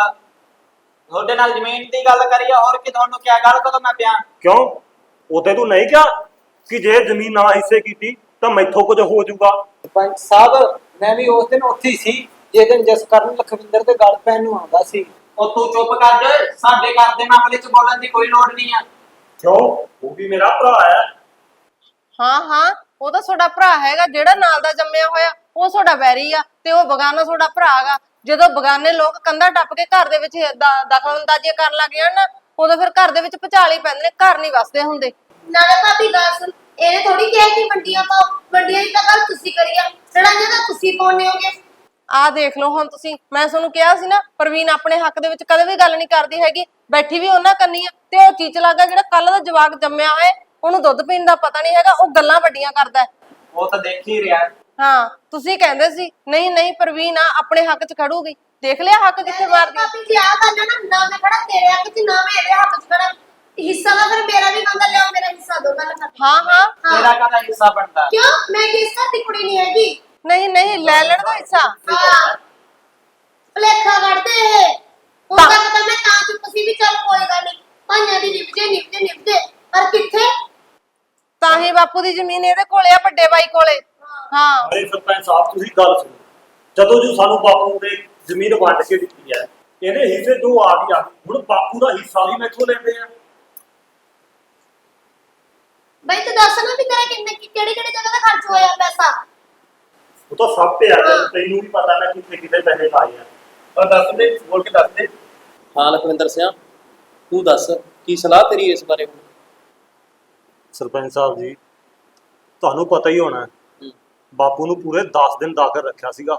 ਤੁਹਾਡੇ ਨਾਲ ਜ਼ਮੀਨ ਦੀ ਗੱਲ ਕਰੀ ਆ, ਹੋਰ ਕੀ ਤੁਹਾਨੂੰ ਕਿਆ ਗੱਲ ਕਦੋਂ ਮੈਂ ਪਿਆ?
ਕਿਉਂ? ਉਹਦੇ ਤੂੰ ਨਹੀਂ ਕਿਹਾ ਕਿ ਜੇ ਜ਼ਮੀਨ ਨਾ ਹਿੱਸੇ ਕੀਤੀ ਤਾਂ ਮੈਥੋਂ ਕੁਝ ਹੋ ਜਾਊਗਾ?
ਸਰਪੰਚ ਸਾਹਿਬ, ਮੈਂ ਵੀ ਉਸ ਦਿਨ ਉੱਥੇ ਹੀ ਸੀ ਜਿਸ ਦਿਨ ਜਸਕਰਨ ਲਖਵਿੰਦਰ ਦੇ ਗਲ ਪੈਣ ਨੂੰ ਆਉਂਦਾ ਸੀ।
ਉਹ ਤੂੰ ਚੁੱਪ ਕਰ ਜਾ, ਸਾਡੇ ਘਰ ਦੇ ਮਾਮਲੇ 'ਚ ਬੋਲਣ ਦੀ ਕੋਈ ਲੋੜ ਨਹੀਂ ਆ।
ਕਿਉਂ? ਉਹ ਵੀ ਮੇਰਾ ਭਰਾ ਹੈ।
ਹਾਂ ਹਾਂ ਉਹ ਤਾਂ ਤੁਹਾਡਾ ਭਰਾ ਹੈਗਾ, ਜਿਹੜਾ ਨਾਲ ਦਾ ਜੰਮਿਆ ਹੋਇਆ ਉਹ ਤੁਹਾਡਾ ਵੈਰੀ ਆ, ਤੇ ਉਹ ਬਗਾਨਾ ਤੁਹਾਡਾ ਭਰਾ ਹੈਗਾ। ਜਦੋਂ ਬਗਾਨੇ ਲੋਕ ਕੰਧਾਂ ਟੱਪ ਕੇ ਘਰ ਦੇ ਵਿੱਚ ਦਖਲਅੰਦਾਜ਼ੀ ਕਰਨ ਲੱਗ ਜਾਣ ਨਾ, ਉਦੋਂ ਫਿਰ ਘਰ ਦੇ ਵਿੱਚ ਭੁਚਾਲ ਹੀ ਪੈਂਦੇ ਨੇ, ਘਰ ਨਹੀਂ ਵਸਦੇ ਹੁੰਦੇ।
ਨਾਲੇ ਭਾਬੀ ਗੱਲ ਸੁਣ, ਇਹਨੇ ਥੋੜੀ ਕਿਹਾ ਕਿ ਮੰਡੀਆਂ ਪਾਓ, ਮੰਡੀਆਂ ਦੀ ਤਾਂ ਗੱਲ ਤੁਸੀਂ ਕਰੀਆ, ਲੜਾਈਆਂ ਤਾਂ ਤੁਸੀਂ ਪਾਉਣੇ ਹੋਗੇ।
ਆਹ ਦੇਖ ਲਓ ਹੁਣ ਤੁਸੀਂ, ਮੈਂ ਤੁਹਾਨੂੰ ਕਿਹਾ ਸੀ ਨਾ ਪ੍ਰਵੀਨ ਆਪਣੇ ਹੱਕ ਦੇ ਵਿੱਚ ਕਦੇ ਵੀ ਗੱਲ ਨਹੀਂ ਕਰਦੀ ਹੈਗੀ, ਬੈਠੀ ਵੀ ਉਹਨਾਂ ਕੰਨੀ ਆ। ਤੇ ਉਹ ਚੀਚ ਲੱਗਾ ਜਿਹੜਾ ਕੱਲ ਦਾ ਜਵਾਕ ਜੰਮਿਆ ਹੋਇਆ, ਉਹਨੂੰ ਦੁੱਧ ਪੀਣ ਦਾ ਪਤਾ ਨਹੀਂ ਹੈਗਾ, ਉਹ ਗੱਲਾਂ ਵੱਡੀਆਂ ਕਰਦਾ।
ਉਹ ਤਾਂ ਦੇਖ ਹੀ ਰਿਹਾ।
ਹਾਂ ਤੁਸੀਂ ਕਹਿੰਦੇ ਸੀ ਨਹੀਂ ਨਹੀਂ ਪ੍ਰਵੀਨ ਆ ਆਪਣੇ ਹੱਕ 'ਚ ਖੜੂਗੀ, ਦੇਖ ਲਿਆ ਹੱਕ ਕਿੱਥੇ ਮਾਰਦੀ।
ਭਾਬੀ ਜੀ ਆਹ ਗੱਲ ਹੈ ਨਾ ਮੈਂ ਖੜਾ ਤੇਰੇ ਹੱਕ 'ਚ, ਨਾ ਮੈਂ ਇਹਦੇ ਹੱਕ 'ਚ ਖੜਾ। ਹਿੱਸਾ ਦਾ ਫਿਰ ਮੇਰਾ ਵੀ ਬੰਦਾ ਲਿਆਓ, ਮੇਰਾ ਹਿੱਸਾ ਦੋ ਗੱਲ ਕਰ।
ਹਾਂ ਹਾਂ
ਤੇਰਾ ਕਾਹਦਾ ਹਿੱਸਾ ਬਣਦਾ?
ਕਿਉਂ? ਮੈਂ ਕਿਸ ਘਰ ਦੀ ਕੁੜੀ ਨਹੀਂ ਹੈਗੀ।
ਨਹੀਂ ਨਹੀਂ ਲੈ ਲੈਣ ਦਾ ਹਿੱਸਾ।
ਹਾਂ ਭਲੇਖਾ ਕੱਢਦੇ ਇਹ। ਹੁਣ ਤੱਕ ਤਾਂ ਮੈਂ ਤਾਂ ਚੁੱਪ ਸੀ ਵੀ ਚੱਲ ਕੋਈ ਗੱਲ ਨਹੀਂ, ਭਾਈਆਂ ਦੀ ਨਿਭਦੇ ਪਰ ਕਿੱਥੇ?
ਤਾਂ ਹੀ ਬਾਪੂ ਦੀ ਜ਼ਮੀਨ ਇਹਦੇ ਕੋਲੇ ਆ, ਵੱਡੇ ਬਾਈ ਕੋਲੇ। ਹਾਂ
ਅਰੇ ਸਰਪੰਚ ਸਾਹਿਬ, ਤੁਸੀਂ ਗੱਲ ਸੁਣੋ। ਜਦੋਂ ਜੋ ਸਾਨੂੰ ਬਾਪੂ ਨੇ ਜ਼ਮੀਨ ਵੰਡ ਕੇ ਦਿੱਤੀ ਹੈ, ਇਹਦੇ ਹਿੱਸੇ ਜੋ ਆ ਗਈ, ਹੁਣ ਬਾਪੂ ਦਾ ਹਿੱਸਾ ਵੀ ਮੈਥੋਂ ਲੈਂਦੇ ਆ।
ਬਈ ਤੂੰ ਦੱਸ ਨਾ ਵੀ ਤੇਰਾ ਕਿਹੜੀ ਜਗ੍ਹਾ ਦਾ ਖਰਚ ਹੋਇਆ ਪੈਸਾ?
ਉਹ ਤਾਂ ਸਭ ਤੇ ਆ ਗਿਆ, ਤੈਨੂੰ ਵੀ ਪਤਾ ਨਾ ਕਿੱਥੇ ਕਿੱਥੇ ਪੈਸੇ ਲਾਏ ਆ।
ਪਰ ਦੱਸ ਦੇ, ਬੋਲ ਕੇ ਦੱਸ ਦੇ। ਹਾਂ ਲਖਵਿੰਦਰ ਸਿੰਘ, ਤੂੰ ਦੱਸ ਕੀ ਸਲਾਹ ਤੇਰੀ ਇਸ ਬਾਰੇ?
ਸਰਪੰਚ ਸਾਹਿਬ ਜੀ, ਤੁਹਾਨੂੰ ਪਤਾ ਹੀ ਹੋਣਾ ਬਾਪੂ ਨੂੰ ਪੂਰੇ 10 ਦਿਨ ਦਾਖਲ ਰੱਖਿਆ ਸੀਗਾ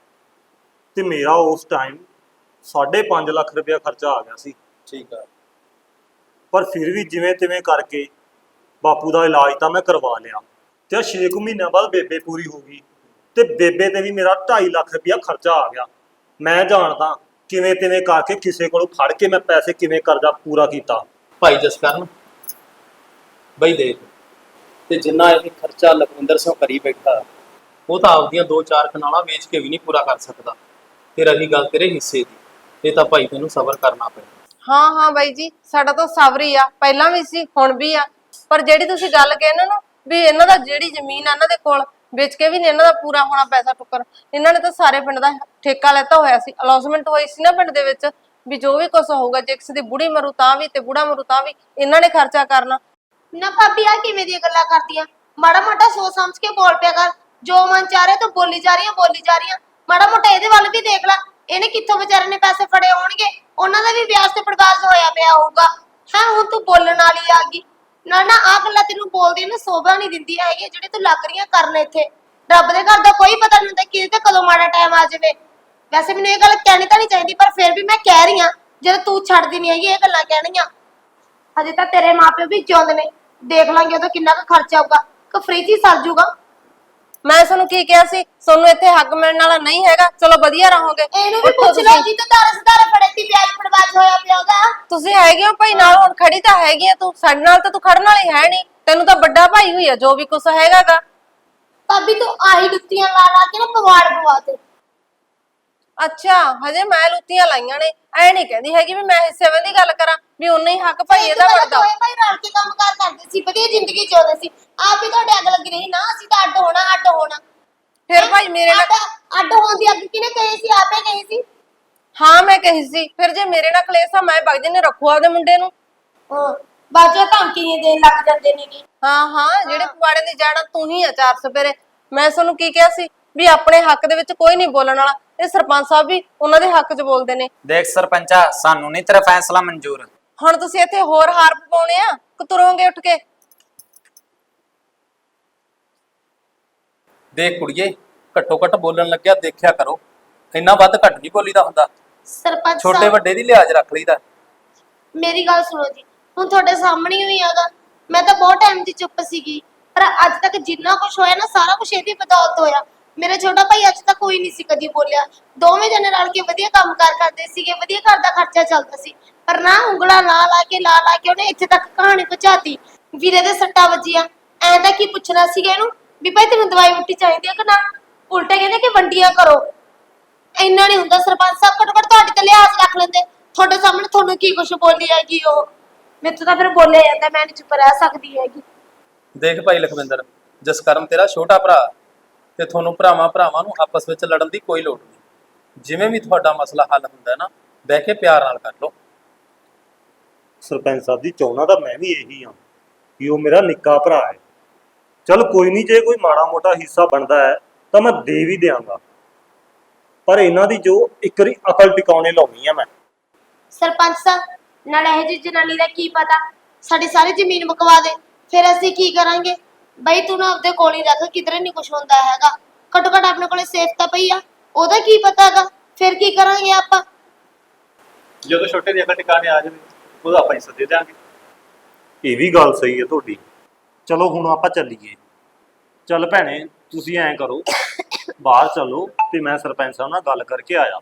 ਤੇ ਮੇਰਾ ਉਸ ਟਾਈਮ 5.5 ਲੱਖ ਰੁਪਇਆ ਖਰਚਾ ਆ ਗਿਆ ਸੀ।
ਠੀਕ ਆ।
ਪਰ ਫਿਰ ਵੀ ਜਿਵੇਂ ਤਿਵੇਂ ਕਰਕੇ ਬਾਪੂ ਦਾ ਇਲਾਜ ਤਾਂ ਮੈਂ ਕਰਵਾ ਲਿਆ ਤੇ 6 ਮਹੀਨਿਆਂ ਬਾਅਦ ਬੇਬੇ ਪੂਰੀ ਹੋ ਗਈ ਤੇ ਬੇਬੇ ਤੇ ਵੀ ਮੇਰਾ 2.5 ਲੱਖ ਰੁਪਇਆ ਖਰਚਾ ਆ ਗਿਆ। ਮੈਂ ਜਾਣਦਾ ਕਿਵੇਂ ਤਿਵੇਂ ਕਰਕੇ ਕਿਸੇ ਕੋਲੋਂ ਫੜ ਕੇ ਮੈਂ ਪੈਸੇ ਕਿਵੇਂ ਕਰਜ਼ਾ ਪੂਰਾ ਕੀਤਾ।
ਭਾਈ ਜਸਕਰਨ ਬਈ ਦੇਖ, ਤੇ ਜਿੰਨਾ ਇਹ ਖਰਚਾ ਲਖਵਿੰਦਰ ਸਿੰਘ ਕਰੀ ਬੈਠਾ, ਉਹ ਤਾਂ ਆਪਦੀਆਂ 2-4 ਕਨਾਲਾਂ ਵੇਚ ਕੇ ਵੀ ਨਹੀਂ ਪੂਰਾ ਕਰ ਸਕਦਾ। ਤੇ ਰਹੀ ਗੱਲ ਤੇਰੇ ਹਿੱਸੇ ਦੀ, ਇਹ ਤਾਂ ਭਾਈ ਤੈਨੂੰ ਸਬਰ ਕਰਨਾ ਪੈਣਾ।
ਹਾਂ ਹਾਂ ਬਾਈ ਜੀ, ਸਾਡਾ ਤਾਂ ਸਬਰ ਹੀ ਆ, ਪਹਿਲਾਂ ਵੀ ਸੀ ਹੁਣ ਵੀ ਆ। ਪਰ ਜਿਹੜੀ ਤੁਸੀਂ ਗੱਲ ਕਹਿੰਦੇ ਨਾ ਵੀ ਇਹਨਾਂ ਦਾ ਜਿਹੜੀ ਜ਼ਮੀਨ ਆ ਇਹਨਾਂ ਦੇ ਕੋਲ ਵੇਚ ਕੇ ਵੀ ਨਹੀਂ ਇਹਨਾਂ ਦਾ ਪੂਰਾ ਹੋਣਾ ਪੈਸਾ ਟੁੱਕਰ, ਇਹਨਾਂ ਨੇ ਤਾਂ ਸਾਰੇ ਪਿੰਡ ਦਾ ਠੇਕਾ ਲੈਤਾ ਹੋਇਆ ਸੀ, ਅਲੌਸਮੈਂਟ ਹੋਈ ਸੀ ਨਾ ਪਿੰਡ ਦੇ ਵਿੱਚ ਵੀ ਜੋ ਵੀ ਕੁਝ ਹੋਊਗਾ, ਜੇ ਕਿਸੇ ਦੀ ਬੁੜੀ ਮਰੂ ਤਾਂ ਵੀ ਤੇ ਬੁੜਾ ਮਰੂ ਤਾਂ ਵੀ ਇਹਨਾਂ ਨੇ ਖਰਚਾ ਕਰਨਾ।
ਨਾ ਭਾਬੀ ਆ ਕਿਵੇਂ ਦੀਆਂ ਗੱਲਾਂ ਕਰਦੀਆਂ? ਮਾੜਾ ਮੋਟਾ ਸੋਚ ਸਮਝ ਕੇ ਬੋਲ ਪਿਆ ਕਰ। ਜੋ ਮਨ ਚਾਹ ਰਿਹਾ ਤੂੰ ਬੋਲੀ ਜਾ ਰਹੀ ਆ। ਮਾੜਾ ਮੋਟਾ ਇਹਦੇ ਵੱਲ ਵੀ ਦੇਖ ਲੈ, ਇਹਨੇ ਕਿੱਥੋਂ ਵਿਚਾਰੇ ਨੇ ਪੈਸੇ ਫੜੇ ਹੋਣਗੇ, ਉਹਨਾਂ ਦਾ ਵੀ ਵਿਆਜ ਤੇ ਪੜਵਾਜ ਹੋਇਆ ਪਿਆ ਹੋਊਗਾ। ਹਾਂ ਹੁਣ ਤੂੰ ਬੋਲਣ ਵਾਲੀ ਆ ਗਈ। ਨਾ ਨਾ ਆ ਗੱਲਾਂ ਤੈਨੂੰ ਬੋਲਦੀ ਨਾ ਸੋਭਾ ਨਹੀਂ ਦਿੰਦੀ ਹੈਗੀ ਜਿਹੜੇ ਤੂੰ ਲੱਗ ਰਹੀਆਂ ਕਰਨ ਇੱਥੇ। ਰੱਬ ਦੇ ਘਰ ਦਾ ਕੋਈ ਪਤਾ ਨਹੀਂ ਹੁੰਦਾ ਕਿਹਦੇ ਤੇ ਕਦੋਂ ਮਾੜਾ ਟਾਈਮ ਆ ਜਾਵੇ। ਵੈਸੇ ਮੈਨੂੰ ਇਹ ਗੱਲ ਕਹਿਣੀ ਤਾਂ ਨਹੀਂ ਚਾਹੀਦੀ, ਪਰ ਫਿਰ ਵੀ ਮੈਂ ਕਹਿ ਰਹੀ ਆ, ਜਦੋਂ ਤੂੰ ਛੱਡਦੀ ਨਹੀਂ ਹੈਗੀ ਇਹ ਗੱਲਾਂ ਕਹਿਣੀਆਂ। ਹਜੇ ਤਾਂ ਤੇਰੇ ਮਾਪਿਓ ਵੀ ਜਿਉਂਦੇ ਨੇ, ਦੇਖ ਲਾਂਗੇ ਉਦੋਂ ਕਿੰਨਾ ਕੁ ਖਰਚਾ ਆਊਗਾ ਕਿ ਫ੍ਰੀ 'ਚ ਹੀ ਸਰ ਜੂਗਾ।
ਮੈਂ ਤੁਹਾਨੂੰ ਕੀ ਕਿਹਾ ਸੀ, ਤੁਹਾਨੂੰ ਇੱਥੇ ਹੱਕ ਮਿਲਣ ਵਾਲਾ ਨਹੀਂ ਹੈਗਾ, ਚਲੋ ਵਧੀਆ ਰਹੋਗੇ।
ਇਹਨੂੰ ਵੀ ਪੁੱਛ ਲਓ ਜੀ, ਤਾਂ ਦਾਰੇ ਫੜੇ ਤੀ ਵਿਆਜ ਪੜਵਾਜ ਹੋਇਆ ਪਿਆ ਉਹਦਾ।
ਤੁਸੀਂ ਹੈਗੇ ਹੋ ਭਾਈ ਨਾਲ, ਹੁਣ ਖੜੀ ਤਾਂ ਹੈਗੀ ਆ ਤੂੰ ਸਾਡੇ ਨਾਲ, ਤਾਂ ਤੂੰ ਖੜਨ ਵਾਲੀ ਹੈ ਨਹੀਂ, ਤੈਨੂੰ ਤਾਂ ਵੱਡਾ ਭਾਈ ਹੋਈ ਆ ਜੋ ਵੀ ਕੁਛ ਹੈਗਾਗਾ।
ਭਾਬੀ ਤੂੰ ਆਹੀ ਲੁੱਤੀਆਂ ਲਾ ਲਾ ਕੇ ਨਾ ਪਵਾੜ ਪਵਾ ਤੇ।
ਅੱਛਾ ਹਜੇ ਮੈਂ ਲੁੱਤੀਆਂ ਲਾਈਆਂ ਨੇ, ਐ ਨਹੀਂ ਕਹਿੰਦੀ ਹੈਗੀ ਵੀ ਮੈਂ ਹਿੱਸੇ ਦੀ ਗੱਲ ਕਰਾਂ ਵੀ ਉਨਾ ਹੀ ਹੱਕ ਭਾਈ ਇਹਦਾ ਬਣਦਾ।
ਦੋਵੇਂ ਭਾਈ ਰਲ ਕੇ ਕੰਮਕਾਰ ਕਰਦੇ ਸੀ, ਵਧੀਆ ਜ਼ਿੰਦਗੀ ਜਿਉਂਦੇ ਸੀ। ਆਪ ਹੀ ਤੁਹਾਡੇ ਅੱਗ ਲੱਗੀ ਰਹੀ ਨਾ, ਅਸੀਂ ਤਾਂ ਅੱਡ ਹੋਣਾ।
ਫਿਰ ਭਾਈ ਮੇਰੇ ਨਾਲ
ਅੱਡ ਹੋਣ ਦੀ ਅੱਗ ਕਿਹਨੇ ਕਹੀ ਸੀ? ਆਪੇ ਕਹੀ ਸੀ।
ਹਾਂ ਮੈਂ ਕਹੀ ਸੀ, ਫਿਰ ਜੇ ਮੇਰੇ ਨਾਲ ਕਲੇਸ਼ ਆ ਮੈਂ ਬਗਦੇ ਨੇ ਰੱਖੂ ਆਪਦੇ ਮੁੰਡੇ ਨੂੰ।
ਹਾਂ ਬਾਜਾ ਧਮਕੀਆਂ ਦੇਣ ਲੱਗ ਜਾਂਦੇ ਨੇਗੇ।
ਹਾਂ ਜਿਹੜੇ ਪਵਾੜੇ ਦੀ ਜੜ ਤੂੰ ਹੀ ਆ 4 ਸਪੇਰੇ। ਮੈਂ ਤੁਹਾਨੂੰ ਕੀ ਕਿਹਾ ਸੀ ਵੀ ਆਪਣੇ ਹੱਕ ਦੇ ਵਿੱਚ ਕੋਈ ਨਹੀਂ ਬੋਲਣ ਵਾਲਾ, ਇਹ ਸਰਪੰਚ ਸਾਹਿਬ ਵੀ ਉਹਨਾਂ ਦੇ ਹੱਕ 'ਚ ਬੋਲਦੇ ਨੇ।
ਦੇਖ ਸਰਪੰਚਾ, ਸਾਨੂੰ ਨਹੀਂ ਤੇਰਾ ਫੈਸਲਾ ਮਨਜ਼ੂਰ।
ਹੁਣ ਤੁਸੀਂ ਇੱਥੇ ਹੋਰ ਹਾਰ ਪਾਉਣੇ ਆ ਕਿ ਤੁਰੋਗੇ ਉੱਠ ਕੇ?
ਦੇਖ ਕੁੜੀਏ, ਘੱਟੋ ਘੱਟ ਬੋਲਣ ਲੱਗਿਆ ਦੇਖਿਆ ਕਰੋ, ਇੰਨਾ ਵੱਧ ਘੱਟ ਨਹੀਂ ਬੋਲੀਦਾ ਹੁੰਦਾ।
ਸਰਪੰਚ
ਛੋਟੇ
ਸਾਹਿਬ
ਵੱਡੇ ਦੀ ਲਿਹਾਜ਼ ਰੱਖ ਲਈਦਾ।
ਮੇਰੀ ਗੱਲ ਸੁਣੋ ਜੀ, ਹੁਣ ਤੁਹਾਡੇ ਸਾਹਮਣੇ ਹੀ ਆਗਾ। ਮੈਂ ਤਾਂ ਬਹੁਤ ਟਾਈਮ ਦੀ ਚੁੱਪ ਸੀਗੀ, ਪਰ ਅੱਜ ਤੱਕ ਜਿੰਨਾ ਕੁਝ ਹੋਇਆ ਨਾ ਸਾਰਾ ਕੁਝ ਇਹਦੀ ਬਦੌਲਤ ਹੋਇਆ। ਮੇਰਾ ਛੋਟਾ ਭਾਈ ਅੱਜ ਤੱਕ ਕੋਈ ਨਹੀਂ ਸੀ ਕਦੀ ਬੋਲਿਆ। ਦੋਵੇਂ ਜਣੇ ਰਲ ਕੇ ਵਧੀਆ ਕੰਮਕਾਰ ਕਰਦੇ ਸੀਗੇ, ਵਧੀਆ ਘਰ ਦਾ ਖਰਚਾ ਚੱਲਦਾ ਸੀ। ਪਰ ਨਾ ਉਂਗਲਾਂ ਲਾ ਕੇ ਉਹਨੇ ਇੱਥੇ ਤੱਕ ਕਹਾਣੀ ਪਹੁੰਚਾਤੀ। ਵੀਰੇ ਦੇ ਸੱਟਾਂ ਵੱਜੀਆਂ, ਐਂ ਤਾਂ ਕੀ ਪੁੱਛਣਾ ਸੀਗਾ ਇਹਨੂੰ ਵੀ ਭਾਈ ਤੈਨੂੰ ਦਵਾਈ ਬੂਟੀ ਚਾਹੀਦੀ ਹੈ ਕਿ ਨਾ? ਉਲਟੇ ਕਹਿੰਦੇ ਕਿ ਵੰਡੀਆਂ ਕਰੋ। ਇੰਨਾ ਨਹੀਂ ਹੁੰਦਾ ਸਰਪੰਚ ਸਾਹਿਬ, ਘੱਟੋ ਘੱਟ ਤੁਹਾਡੇ ਤੇ ਲਿਹਾਜ਼ ਰੱਖ ਲੈਂਦੇ। ਤੁਹਾਡੇ ਸਾਹਮਣੇ ਤੁਹਾਨੂੰ ਕੀ ਕੁਝ ਬੋਲੀ ਹੈਗੀ ਉਹ, ਮੇਰੇ ਤਾਂ ਫਿਰ ਬੋਲਿਆ ਜਾਂਦਾ, ਮੈਂ ਨਹੀਂ ਚੁੱਪ ਰਹਿ ਸਕਦੀ ਹੈਗੀ।
ਦੇਖ ਭਾਈ ਲਖਵਿੰਦਰ, ਜਸਕਰਨ ਤੇਰਾ ਛੋਟਾ ਭਰਾ ਤੇ ਤੁਹਾਨੂੰ ਭਰਾਵਾਂ ਨੂੰ ਆਪਸ ਵਿੱਚ ਲੜਨ ਦੀ ਕੋਈ ਲੋੜ ਨਹੀਂ। ਜਿਵੇਂ ਵੀ ਤੁਹਾਡਾ ਮਸਲਾ ਹੱਲ ਹੁੰਦਾ ਨਾ, ਬਹਿ ਕੇ ਪਿਆਰ ਨਾਲ ਕਰ ਲਓ।
ਸਰਪੰਚ ਸਾਹਿਬ ਜੀ, ਚਾਹੁੰਦਾ ਤਾਂ ਮੈਂ ਵੀ ਇਹੀ ਹਾਂ ਕਿ ਉਹ ਮੇਰਾ ਨਿੱਕਾ ਭਰਾ ਹੈ। ਚਲ ਕੋਈ ਨਹੀਂ, ਜੇ ਕੋਈ ਮਾੜਾ ਮੋਟਾ ਹਿੱਸਾ ਬਣਦਾ ਹੈ ਤਾਂ ਮੈਂ ਦੇ ਵੀ ਦਿਆਂਗਾ, ਪਰ ਇਹਨਾਂ ਦੀ ਜੋ ਇੱਕ ਵਾਰੀ ਅਕਲ ਟਿਕਾਉਣੇ ਲਾਉਣੀ ਆ ਮੈਂ।
ਸਰਪੰਚ ਸਾਹਿਬ ਨਾਲ ਇਹ ਜੀ ਜਨਾਨੀ ਦਾ ਕੀ ਪਤਾ ਸਾਡੀ ਸਾਰੀ ਜ਼ਮੀਨ ਮੁਕਵਾ ਦੇ, ਫਿਰ ਅਸੀਂ ਕੀ ਕਰਾਂਗੇ? ਬਈ ਤੂੰ ਨਾ ਆਪਦੇ ਕੋਲ ਹੀ ਰੱਖ, ਕਿਧਰੇ ਨਹੀਂ ਕੁਝ ਹੁੰਦਾ ਹੈਗਾ। ਘੱਟੋ ਘੱਟ ਆਪਣੇ ਕੋਲੇ ਸੇਫ ਤਾਂ ਪਈ ਆ, ਉਹਦਾ ਕੀ ਪਤਾ ਹੈਗਾ, ਫਿਰ ਕੀ ਕਰਾਂਗੇ ਆਪਾਂ?
ਜਦੋਂ ਛੋਟੇ ਦੀ ਅਕਲ ਟਿਕਾਣੇ ਆ ਜਾਵੇ ਉਹਦਾ ਆਪਾਂ ਹਿੱਸਾ ਦੇ ਦਿਆਂਗੇ।
ਇਹ ਵੀ ਗੱਲ ਸਹੀ ਹੈ ਤੁਹਾਡੀ। ਚਲੋ ਹੁਣ ਆਪਾਂ ਚੱਲੀਏ। ਚੱਲ ਭੈਣੇ, ਤੁਸੀਂ ਐਂ ਕਰੋ, ਬਾਹਰ ਚਲੋ ਤੇ ਮੈਂ ਸਰਪੰਚ ਸਾਹਿਬ ਨਾਲ ਗੱਲ ਕਰਕੇ ਆਇਆ।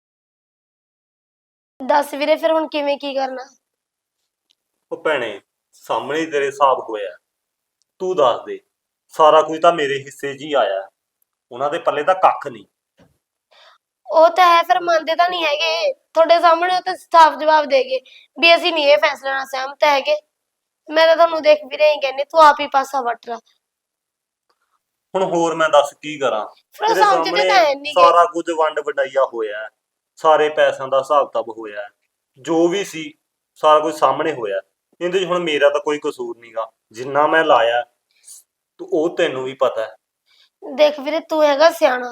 ਦੱਸ ਵੀਰੇ ਫਿਰ ਹੁਣ ਕਿਵੇਂ ਕੀ ਕਰਨਾ?
ਉਹ ਭੈਣੇ, ਸਾਹਮਣੇ ਹੀ ਤੇਰੇ ਹਿਸਾਬ ਹੋਇਆ, ਤੂੰ ਦੱਸ ਦੇ। ਸਾਰਾ ਕੁਝ ਤਾਂ ਮੇਰੇ ਹਿੱਸੇ 'ਚ ਹੀ ਆਇਆ, ਉਹਨਾਂ ਦੇ ਪੱਲੇ ਤਾਂ ਕੱਖ ਨਹੀਂ।
ਉਹ ਤਾਂ ਹੈ, ਫਿਰ ਮੰਨਦੇ ਤਾਂ ਨਹੀਂ ਹੈਗੇ। ਤੁਹਾਡੇ ਸਾਹਮਣੇ ਉਹ ਤਾਂ ਸਾਫ਼ ਜਵਾਬ ਦੇਗੇ ਵੀ ਅਸੀਂ ਨਹੀਂ ਇਹ ਫੈਸਲੇ ਨਾਲ ਸਹਿਮਤ ਹੈਗੇ। ਮੈਂ ਤਾਂ ਤੁਹਾਨੂੰ ਦੇਖ ਵੀ ਰਹੀ ਕਹਿੰਦੀ, ਤੂੰ ਆਪ ਹੀ ਪਾਸਾ ਵੱਟ ਲਾ।
ਹੁਣ ਹੋਰ ਮੈਂ ਦੱਸ ਕੀ ਕਰਾਂ?
ਫਿਰ
ਤੇਰੇ
ਸਮਝਦੇ ਤਾਂ ਹੈ
ਸਾਹਮਣੇ
ਨਹੀਂ
ਸਾਰਾ ਕੁਝ ਵੰਡ ਵਡਾਈਆ ਹੋਇਆ, ਸਾਰੇ ਪੈਸਿਆਂ ਦਾ ਹਿਸਾਬ ਕਿਤਾਬ ਹੋਇਆ, ਜੋ ਵੀ ਸੀ ਸਾਰਾ ਕੁਝ ਸਾਹਮਣੇ ਹੋਇਆ। ਇਹਦੇ 'ਚ ਹੁਣ ਮੇਰਾ ਤਾਂ ਕੋਈ ਕਸੂਰ ਨਹੀਂਗਾ, ਜਿੰਨਾ ਮੈਂ ਲਾਇਆ ਉਹ ਤੈਨੂੰ ਵੀ ਪਤਾ ਹੈ।
ਦੇਖ ਵੀਰੇ, ਤੂੰ ਹੈਗਾ ਸਿਆਣਾ,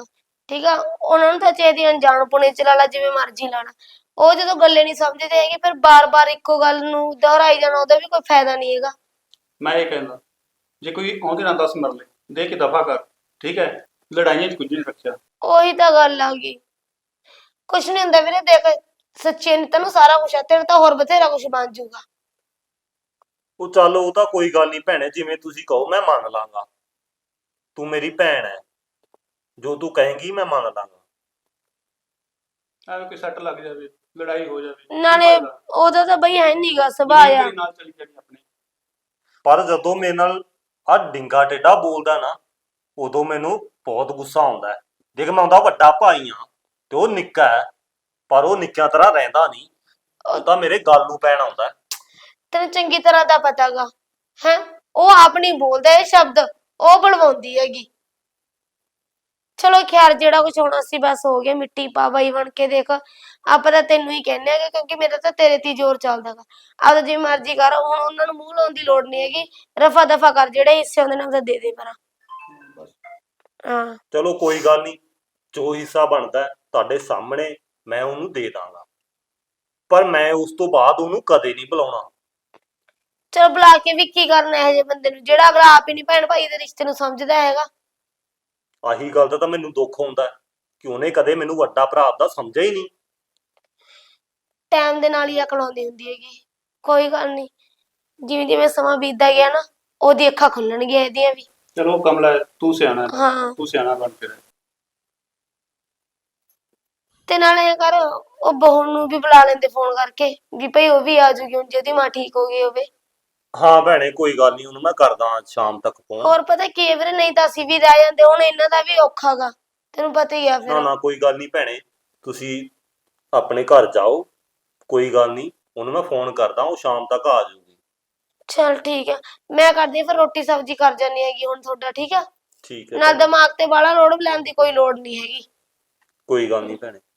ਠੀਕ ਆ, ਉਹਨਾਂ ਨੂੰ ਤਾਂ ਚਾਹੀਦੀ ਅਣਜਾਣ ਪੁਣੇ ਚ ਲਾ ਲਾ, ਜਿਵੇਂ ਮਰਜ਼ੀ ਲਾ ਲਾ। ਉਹ ਜਦੋਂ ਗੱਲੇ ਨਹੀਂ ਸਮਝਦੇ ਹੈਗੇ, ਫਿਰ ਬਾਰ-ਬਾਰ ਇੱਕੋ ਗੱਲ ਨੂੰ ਦੁਹਰਾਈ ਜਾਣਾ, ਉਹਦਾ ਵੀ ਕੋਈ ਫਾਇਦਾ ਨਹੀਂ ਹੈਗਾ।
ਮੈਂ ਇਹ ਕਹਿੰਦਾ, ਜੇ ਕੋਈ ਆਉਂਦੇ ਨਾ 10 ਮਰਲੇ ਦੇ ਕੇ ਦਫਾ ਕਰ, ਠੀਕ ਹੈ? ਲੜਾਈਆਂ 'ਚ ਕੁਝ ਨਹੀਂ ਰੱਖਿਆ।
ਉਹੀ ਤਾਂ ਗੱਲ ਆ ਗਈ। ਕੁਛ ਨਹੀਂ ਹੁੰਦਾ ਵੀਰੇ, ਦੇਖ ਸੱਚੇ ਨੇ ਤੈਨੂੰ ਸਾਰਾ ਕੁਛ ਆ, ਤੇਰੇ ਤਾਂ ਹੋਰ ਬਥੇਰਾ ਕੁਛ ਬਣ ਜਾਊਗਾ।
ਉਹ ਚੱਲ ਉਹ ਤਾਂ ਕੋਈ ਗੱਲ ਨਹੀਂ ਭੈਣੇ, ਜਿਵੇਂ ਤੁਸੀਂ ਕਹੋ ਮੈਂ ਮੰਨ ਲਾਂਗਾ। ਤੂੰ ਮੇਰੀ ਭੈਣ ਹੈ, ਜੋ ਤੂੰ ਕਹੇਂਗੀ ਮੈਂ ਮੰਨ ਲਾਂਗਾ।
ਐਵੇਂ ਕੋਈ ਸੱਟ ਲੱਗ ਜਾਵੇ, ਲੜਾਈ ਹੋ ਜਾਵੇ, ਕੀ
ਨਾਲੇ
ਫਾਇਦਾ?
ਉਹਦਾ ਤਾਂ ਬਈ ਹੈ ਨੀਗਾ ਸੁਭਾਅ
ਜ਼ਮੀਨ
ਆ।
ਤੇਰੇ ਨਾਲ ਚਲੀ ਜਾਣੀ ਆਪਣੇ।
ਪਰ ਜਦੋਂ ਮੇਰੇ ਨਾਲ ਆ ਡਿੰਗਾ ਟੇਡਾ ਬੋਲਦਾ ਨਾ, ਉਦੋਂ ਮੈਨੂੰ ਬਹੁਤ ਗੁੱਸਾ ਆਉਂਦਾ ਹੈ। ਦੇਖ ਮੈਂ ਉਹਦਾ ਵੱਡਾ ਭਾਈ ਆ ਤੇ ਉਹ ਨਿੱਕਾ ਹੈ, ਪਰ ਉਹ ਨਿੱਕਿਆਂ ਤਰ੍ਹਾਂ ਰਹਿੰਦਾ ਨਹੀਂ। ਉਹ ਤਾਂ ਮੇਰੇ ਗੱਲ ਨੂੰ ਪੈਣ ਆਉਂਦਾ ਹੈ।
ਤੈਨੂੰ ਚੰਗੀ ਤਰ੍ਹਾਂ ਦਾ ਪਤਾਗਾ ਹੈ। ਉਹ ਆਪ ਨਹੀਂ ਬੋਲਦਾ ਇਹ ਸ਼ਬਦ, ਉਹ ਬਲਵਾਉਂਦੀ ਹੈਗੀ। ਚਲੋ ਖੈਰ, ਜਿਹੜਾ ਕੁਝ ਹੋਣਾ ਸੀ ਬਸ ਹੋ ਗਿਆ। ਮਿੱਟੀ ਪਾ ਬਾਈ ਬਣ ਕੇ, ਦੇਖ ਆਪਾਂ ਤਾਂ ਤੈਨੂੰ ਹੀ ਕਹਿੰਦੇ ਹੈਗੇ, ਕਿਉਂਕਿ ਮੇਰਾ ਤਾਂ ਤੇਰੇ ਤੇ ਹੀ ਜ਼ੋਰ ਚੱਲਦਾਗਾ। ਆਪਦਾ ਜਿਵੇਂ ਮਰਜ਼ੀ ਕਰ, ਹੁਣ ਉਹਨਾਂ ਨੂੰ ਮੂੰਹ ਲਾਉਣ ਦੀ ਲੋੜ ਨਹੀਂ ਹੈਗੀ। ਰਫਾ ਦਫਾ ਕਰ, ਜਿਹੜੇ ਹਿੱਸੇ ਹੁੰਦੇ ਨੇ ਉਹਦਾ ਦੇ ਦੇ ਪਰਾਂ। ਹਾਂ
ਚਲੋ ਕੋਈ ਗੱਲ ਨਹੀਂ, ਜੋ ਹਿੱਸਾ ਬਣਦਾ ਹੈ ਤੁਹਾਡੇ ਸਾਹਮਣੇ ਮੈਂ ਉਹਨੂੰ ਦੇ ਦਾਂਗਾ, ਪਰ ਮੈਂ ਉਸ ਤੋਂ ਬਾਅਦ ਉਹਨੂੰ ਕਦੇ ਨਹੀਂ ਬੁਲਾਉਣਾ।
ਚਲ ਬੁਲਾ ਕੇ ਵੀ ਕੀ ਕਰਨਾ ਇਹੋ ਜਿਹੇ ਬੰਦੇ ਨੂੰ, ਜਿਹੜਾ ਅਗਲਾ ਆਪ ਹੀ ਨਹੀਂ ਭੈਣ ਭਾਈ ਦੇ ਰਿਸ਼ਤੇ ਨੂੰ ਸਮਝਦਾ ਹੈਗਾ।
ਆਹੀ ਗੱਲ ਦਾ ਤਾਂ ਮੈਨੂੰ ਦੁੱਖ ਹੁੰਦਾ ਹੈ ਕਿ ਉਹਨੇ ਕਦੇ ਮੈਨੂੰ ਵੱਡਾ ਭਰਾ ਆਪਦਾ ਸਮਝਿਆ ਹੀ ਨਹੀਂ।
ਟਾਈਮ ਦੇ ਨਾਲ ਹੀ ਅਕਲ ਆਉਂਦੀ ਹੁੰਦੀ ਹੈਗੀ। ਕੋਈ ਗੱਲ ਨਹੀਂ, ਜਿਵੇਂ ਜਿਵੇਂ ਸਮਾਂ ਬੀਤਦਾ ਗਿਆ ਨਾ, ਉਹਦੀ ਅੱਖਾਂ ਖੁੱਲਣਗੀਆਂ ਇਹਦੀਆਂ ਵੀ।
ਚਲੋ ਕਮਲਾ, ਤੂੰ ਸਿਆਣਾ ਹੈ,
ਹਾਂ
ਤੂੰ ਸਿਆਣਾ ਬਣ ਕੇ ਰਹਿ।
ਤੇ ਨਾਲੇ ਇਹ ਕਰ, ਉਹ ਬਹੂ ਨੂੰ ਵੀ ਬੁਲਾ ਲੈਂਦੇ ਫੋਨ ਕਰਕੇ, ਵੀ ਭਈ ਉਹ ਵੀ ਆ ਜੂਗੀ ਹੁਣ ਜੇ ਉਹਦੀ ਮਾਂ ਠੀਕ ਹੋ ਗਈ ਹੋਵੇ।
ਹਾਂ ਭੈਣੇ ਕੋਈ ਗੱਲ ਨਹੀਂ, ਉਹਨੂੰ ਮੈਂ ਕਰਦਾ ਸ਼ਾਮ ਤੱਕ ਫੋਨ।
ਹੋਰ ਪਤਾ ਕੀ ਹੈ ਵੀਰੇ, ਨਹੀਂ ਤਾਂ ਅਸੀਂ ਵੀ ਰਹਿ ਜਾਂਦੇ, ਹੁਣ ਇਹਨਾਂ ਦਾ ਵੀ ਔਖਾ ਗਾ, ਤੈਨੂੰ ਪਤਾ ਹੀ ਆ
ਨਾ
ਫਿਰ।
ਨਾ ਕੋਈ ਗੱਲ ਨਹੀਂ ਭੈਣੇ, ਤੁਸੀਂ ਆਪਣੇ ਘਰ ਜਾਓ, ਕੋਈ ਗੱਲ ਨਹੀਂ, ਉਹਨੂੰ ਮੈਂ ਫੋਨ ਕਰਦਾ, ਉਹ ਸ਼ਾਮ ਤੱਕ ਆ ਜਾਊਗੀ।
ਚਲ ਠੀਕ ਹੈ, ਮੈਂ ਕਰਦੀ ਹਾਂ ਫਿਰ ਰੋਟੀ ਸਬਜ਼ੀ ਕਰ ਜਾਨੀ ਹੈਗੀ ਹੁਣ ਤੁਹਾਡਾ, ਠੀਕ ਆ?
ਠੀਕ ਹੈ
ਨਾਲ
ਭੈਣੇ,
ਦਿਮਾਗ ਤੇ ਬਾਹਲਾ ਲੋਡ ਲੈਣ ਦੀ ਕੋਈ ਲੋੜ ਨਹੀਂ ਹੈਗੀ।
ਕੋਈ ਗੱਲ ਨਹੀਂ ਭੈਣੇ।